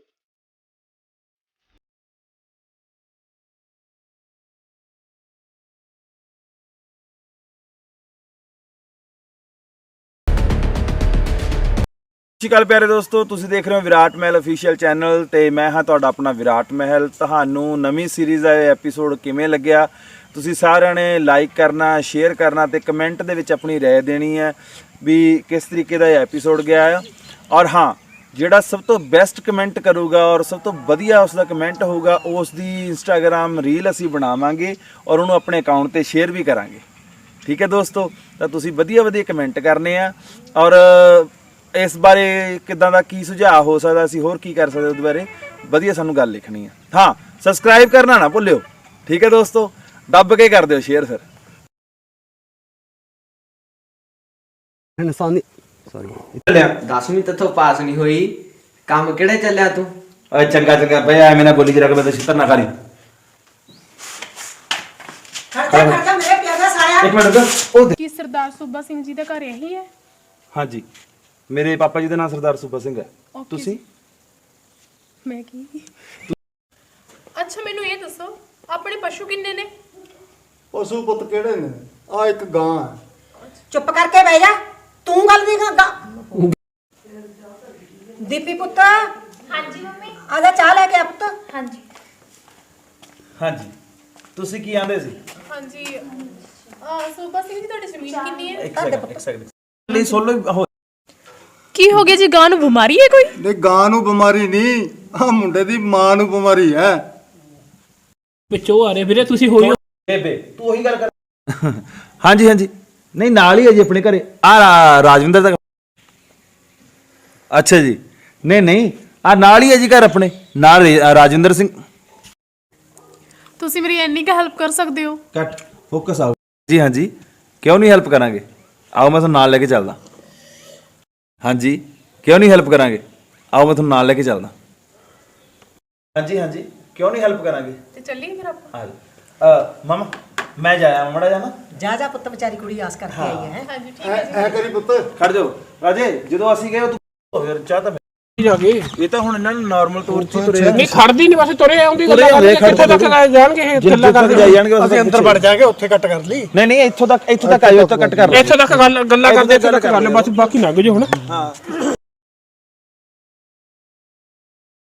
Speaker 2: ਸਤਿ ਸ਼੍ਰੀ ਅਕਾਲ ਪਿਆਰੇ ਦੋਸਤੋ, ਤੁਸੀਂ ਦੇਖ ਰਹੇ ਹੋ ਵਿਰਾਟ ਮਹਿਲ ਅਫੀਸ਼ੀਅਲ ਚੈਨਲ ਤੇ ਮੈਂ ਹਾਂ ਤੁਹਾਡਾ ਆਪਣਾ ਵਿਰਾਟ ਮਹਿਲ। ਤੁਹਾਨੂੰ ਨਵੀਂ ਸੀਰੀਜ਼ ਦਾ ਇਹ ਐਪੀਸੋਡ ਕਿਵੇਂ ਲੱਗਿਆ, ਤੁਸੀਂ ਸਾਰਿਆਂ ਨੇ ਲਾਈਕ ਕਰਨਾ, ਸ਼ੇਅਰ ਕਰਨਾ ਤੇ ਕਮੈਂਟ ਦੇ ਵਿੱਚ ਆਪਣੀ ਰਾਏ ਦੇਣੀ ਹੈ ਵੀ ਕਿਸ ਤਰੀਕੇ ਦਾ ਇਹ ਐਪੀਸੋਡ ਗਿਆ ਆ। ਔਰ ਹਾਂ, ਜਿਹੜਾ ਸਭ ਤੋਂ ਬੈਸਟ ਕਮੈਂਟ ਕਰੂਗਾ ਔਰ ਸਭ ਤੋਂ ਵਧੀਆ ਉਸ ਦਾ ਕਮੈਂਟ ਹੋਊਗਾ, ਉਸ ਦੀ ਇੰਸਟਾਗ੍ਰਾਮ ਰੀਲ ਅਸੀਂ ਬਣਾਵਾਂਗੇ ਔਰ ਉਹਨੂੰ ਆਪਣੇ ਅਕਾਊਂਟ ਤੇ ਸ਼ੇਅਰ ਵੀ ਕਰਾਂਗੇ। ਠੀਕ ਹੈ ਦੋਸਤੋ, ਤਾਂ ਤੁਸੀਂ ਵਧੀਆ ਵਧੀਆ ਕਮੈਂਟ ਕਰਨੇ ਆ ਔਰ ਇਸ ਬਾਰੇ ਕਿੱਦਾਂ ਦਾ ਕੀ ਸੁਝਾਅ ਹੋ ਸਕਦਾ, ਅਸੀਂ ਹੋਰ ਕੀ ਕਰ ਸਕਦੇ ਉਹਦੇ ਬਾਰੇ ਵਧੀਆ ਸਾਨੂੰ ਗੱਲ ਲਿਖਣੀ ਆ। ਹਾਂ, ਸਬਸਕ੍ਰਾਈਬ ਕਰਨਾ ਨਾ ਭੁੱਲਿਓ। ਠੀਕ ਹੈ ਦੋਸਤੋ, ਦੱਬ ਕੇ ਕਰ ਦਿਓ ਸ਼ੇਅਰ। ਫਿਰ
Speaker 9: ਇਨਸਾਨੀ ਸੌਰੀ
Speaker 1: ਦਸਵੀਂ ਤੱਥੋਂ ਪਾਸ ਨਹੀਂ ਹੋਈ, ਕੰਮ ਕਿਹੜੇ ਚੱਲਿਆ ਤੂੰ?
Speaker 2: ਓਏ ਚੰਗਾ ਚੰਗਾ ਬਈ, ਐਵੇਂ ਨਾ ਬੋਲੀ ਜਰਾ ਕਿ ਮੈਂ ਤਾਂ ਛਿੱਤਰ ਨਾ ਖਾ ਲਈ।
Speaker 4: ਖਰਚਾ ਖਰਚਾ ਮੇਰੇ ਪਿਆਰਾ ਸਾਲਿਆ।
Speaker 2: ਇੱਕ ਮਿੰਟ ਰੁਕ। ਉਹ
Speaker 7: ਕੀ ਸਰਦਾਰ ਸੂਬਾ ਸਿੰਘ ਜੀ ਦਾ ਘਰ ਇਹੀ ਹੈ?
Speaker 2: ਹਾਂਜੀ, ਮੇਰੇ ਪਾਪਾ ਜੀ ਦਾ ਨਾਮ ਸਰਦਾਰ ਸੂਬਾ ਸਿੰਘ ਹੈ।
Speaker 7: Okay
Speaker 2: ਤੁਸੀਂ?
Speaker 7: ਮੈਂ ਕੀ? ਅੱਛਾ ਮੈਨੂੰ ਇਹ ਦੱਸੋ, ਆਪਣੇ ਪਸ਼ੂ ਕਿੰਨੇ ਨੇ?
Speaker 5: ਪਸ਼ੂ ਪੁੱਤ ਕਿਹੜੇ ਨੇ? ਆ ਇੱਕ ਗਾਂ ਹੈ।
Speaker 4: ਚੁੱਪ ਕਰਕੇ ਬਹਿ ਜਾ, ਤੂੰ ਗੱਲ ਨਹੀਂ ਕਰਦਾ। ਦੀਪੀ ਪੁੱਤ,
Speaker 3: ਹਾਂਜੀ ਮੰਮੀ।
Speaker 4: ਆ ਜਾ ਚਾਹ ਲੈ ਕੇ ਆ ਪੁੱਤ।
Speaker 3: ਹਾਂਜੀ
Speaker 2: ਹਾਂਜੀ, ਤੁਸੀਂ ਕੀ ਆਂਦੇ ਸੀ?
Speaker 7: ਹਾਂਜੀ ਆ ਸੂਬਾ ਸਿੰਘ ਜੀ, ਤੁਹਾਡੀ ਜ਼ਮੀਨ ਕਿੰਨੀ ਹੈ?
Speaker 2: ਇੱਕ ਸੈਕਿੰਡ ਇੱਕ ਸੈਕਿੰਡ ਲਈ ਸੋਲੋ ਹੋ।
Speaker 7: ਕੀ ਹੋ ਗਿਆ ਜੀ, ਗਾਂ ਨੂੰ ਬਿਮਾਰੀ ਹੈ ਕੋਈ?
Speaker 5: ਨਹੀਂ, ਗਾਂ ਨੂੰ ਬਿਮਾਰੀ ਨਹੀਂ, ਆ ਮੁੰਡੇ ਦੀ ਮਾਂ ਨੂੰ ਬਿਮਾਰੀ ਹੈ।
Speaker 8: ਵਿੱਚੋਂ ਆ ਰਹੇ ਵੀਰੇ, ਤੁਸੀਂ ਹੋਈ
Speaker 2: ਬੇਬੇ ਤੂੰ ਉਹੀ ਗੱਲ ਕਰ। ਹਾਂਜੀ ਹਾਂਜੀ, ਨਹੀਂ ਨਾਲ ਹੀ ਹੈ ਜੀ ਆਪਣੇ ਘਰੇ। ਆ ਰਾਜਵਿੰਦਰ ਦਾ। ਅੱਛਾ ਜੀ, ਨਹੀਂ ਨਹੀਂ, ਆ ਨਾਲ ਹੀ ਹੈ ਜੀ ਘਰ ਆਪਣੇ ਨਾਲ ਰਾਜਵਿੰਦਰ ਸਿੰਘ।
Speaker 7: ਤੁਸੀਂ ਮੇਰੀ ਇੰਨੀ ਕੁ ਹੈਲਪ ਕਰ ਸਕਦੇ ਹੋ?
Speaker 2: ਕੱਟ ਫੋਕਸ ਆਓ ਜੀ। ਹਾਂਜੀ, ਕਿਉਂ ਨਹੀਂ ਹੈਲਪ ਕਰਾਂਗੇ, ਆਓ ਮੈਂ ਤੁਹਾਨੂੰ ਨਾਲ ਲੈ ਕੇ ਚੱਲਦਾ। ਹਾਂਜੀ, ਕਿਉਂ ਨਹੀਂ ਹੈਲਪ ਕਰਾਂਗੇ, ਆਓ ਮੈਂ ਤੁਹਾਨੂੰ ਨਾਲ ਲੈ ਕੇ ਚੱਲਦਾ। ਹਾਂਜੀ ਹਾਂਜੀ, ਕਿਉਂ ਨਹੀਂ ਹੈਲਪ ਕਰਾਂਗੇ,
Speaker 7: ਤੇ ਚੱਲੀਏ ਫਿਰ ਆਪਾਂ।
Speaker 2: ਆ ਜਾ ਮਾਮਾ, ਮੈਂ ਜਾਇਆ ਮੜਾ ਜਾਣਾ।
Speaker 4: ਜਾ ਜਾ ਪੁੱਤ, ਵਿਚਾਰੀ ਕੁੜੀ ਆਸ ਕਰਕੇ ਆਈ ਹੈ।
Speaker 7: ਹਾਂਜੀ ਠੀਕ ਹੈ ਜੀ।
Speaker 5: ਐ ਕਰੀ ਪੁੱਤ,
Speaker 2: ਖੜ ਜਾਓ ਰਾਜੇ, ਜਦੋਂ ਅਸੀਂ ਗਏ ਤੂੰ ਫਿਰ ਚਾਹ ਤਾਂ
Speaker 8: ਜਾ ਕੇ
Speaker 2: ਇਹ ਤਾਂ ਹੁਣ ਇਹਨਾਂ ਨੂੰ ਨਾਰਮਲ ਤੌਰ 'ਚ ਤੁਰੇ
Speaker 8: ਨਹੀਂ ਖੜਦੀ ਨਹੀਂ, ਬਸ ਤੁਰੇ ਆਉਂਦੀ ਗੱਲਾਂ ਕਰਦੇ, ਕਿੱਥੇ ਤੱਕ ਜਾਣਗੇ ਇਹ ਗੱਲਾਂ ਕਰਦੇ
Speaker 2: ਜਾਈ ਜਾਣਗੇ।
Speaker 6: ਅਸੀਂ ਅੰਦਰ ਵੜ ਜਾਗੇ, ਉੱਥੇ ਕੱਟ ਕਰ ਲਈ।
Speaker 2: ਨਹੀਂ ਨਹੀਂ, ਇੱਥੋਂ ਤੱਕ ਇੱਥੋਂ ਤੱਕ ਆਇਓ, ਇੱਥੋਂ ਕੱਟ ਕਰ ਲਓ।
Speaker 8: ਇੱਥੇ ਤੱਕ ਗੱਲ ਗੱਲਾਂ ਕਰਦੇ, ਇੱਥੇ ਤੱਕ ਕਰ ਲਓ ਬਸ, ਬਾਕੀ ਲੰਘ ਜਾਓ ਹੁਣ।
Speaker 2: ਹਾਂ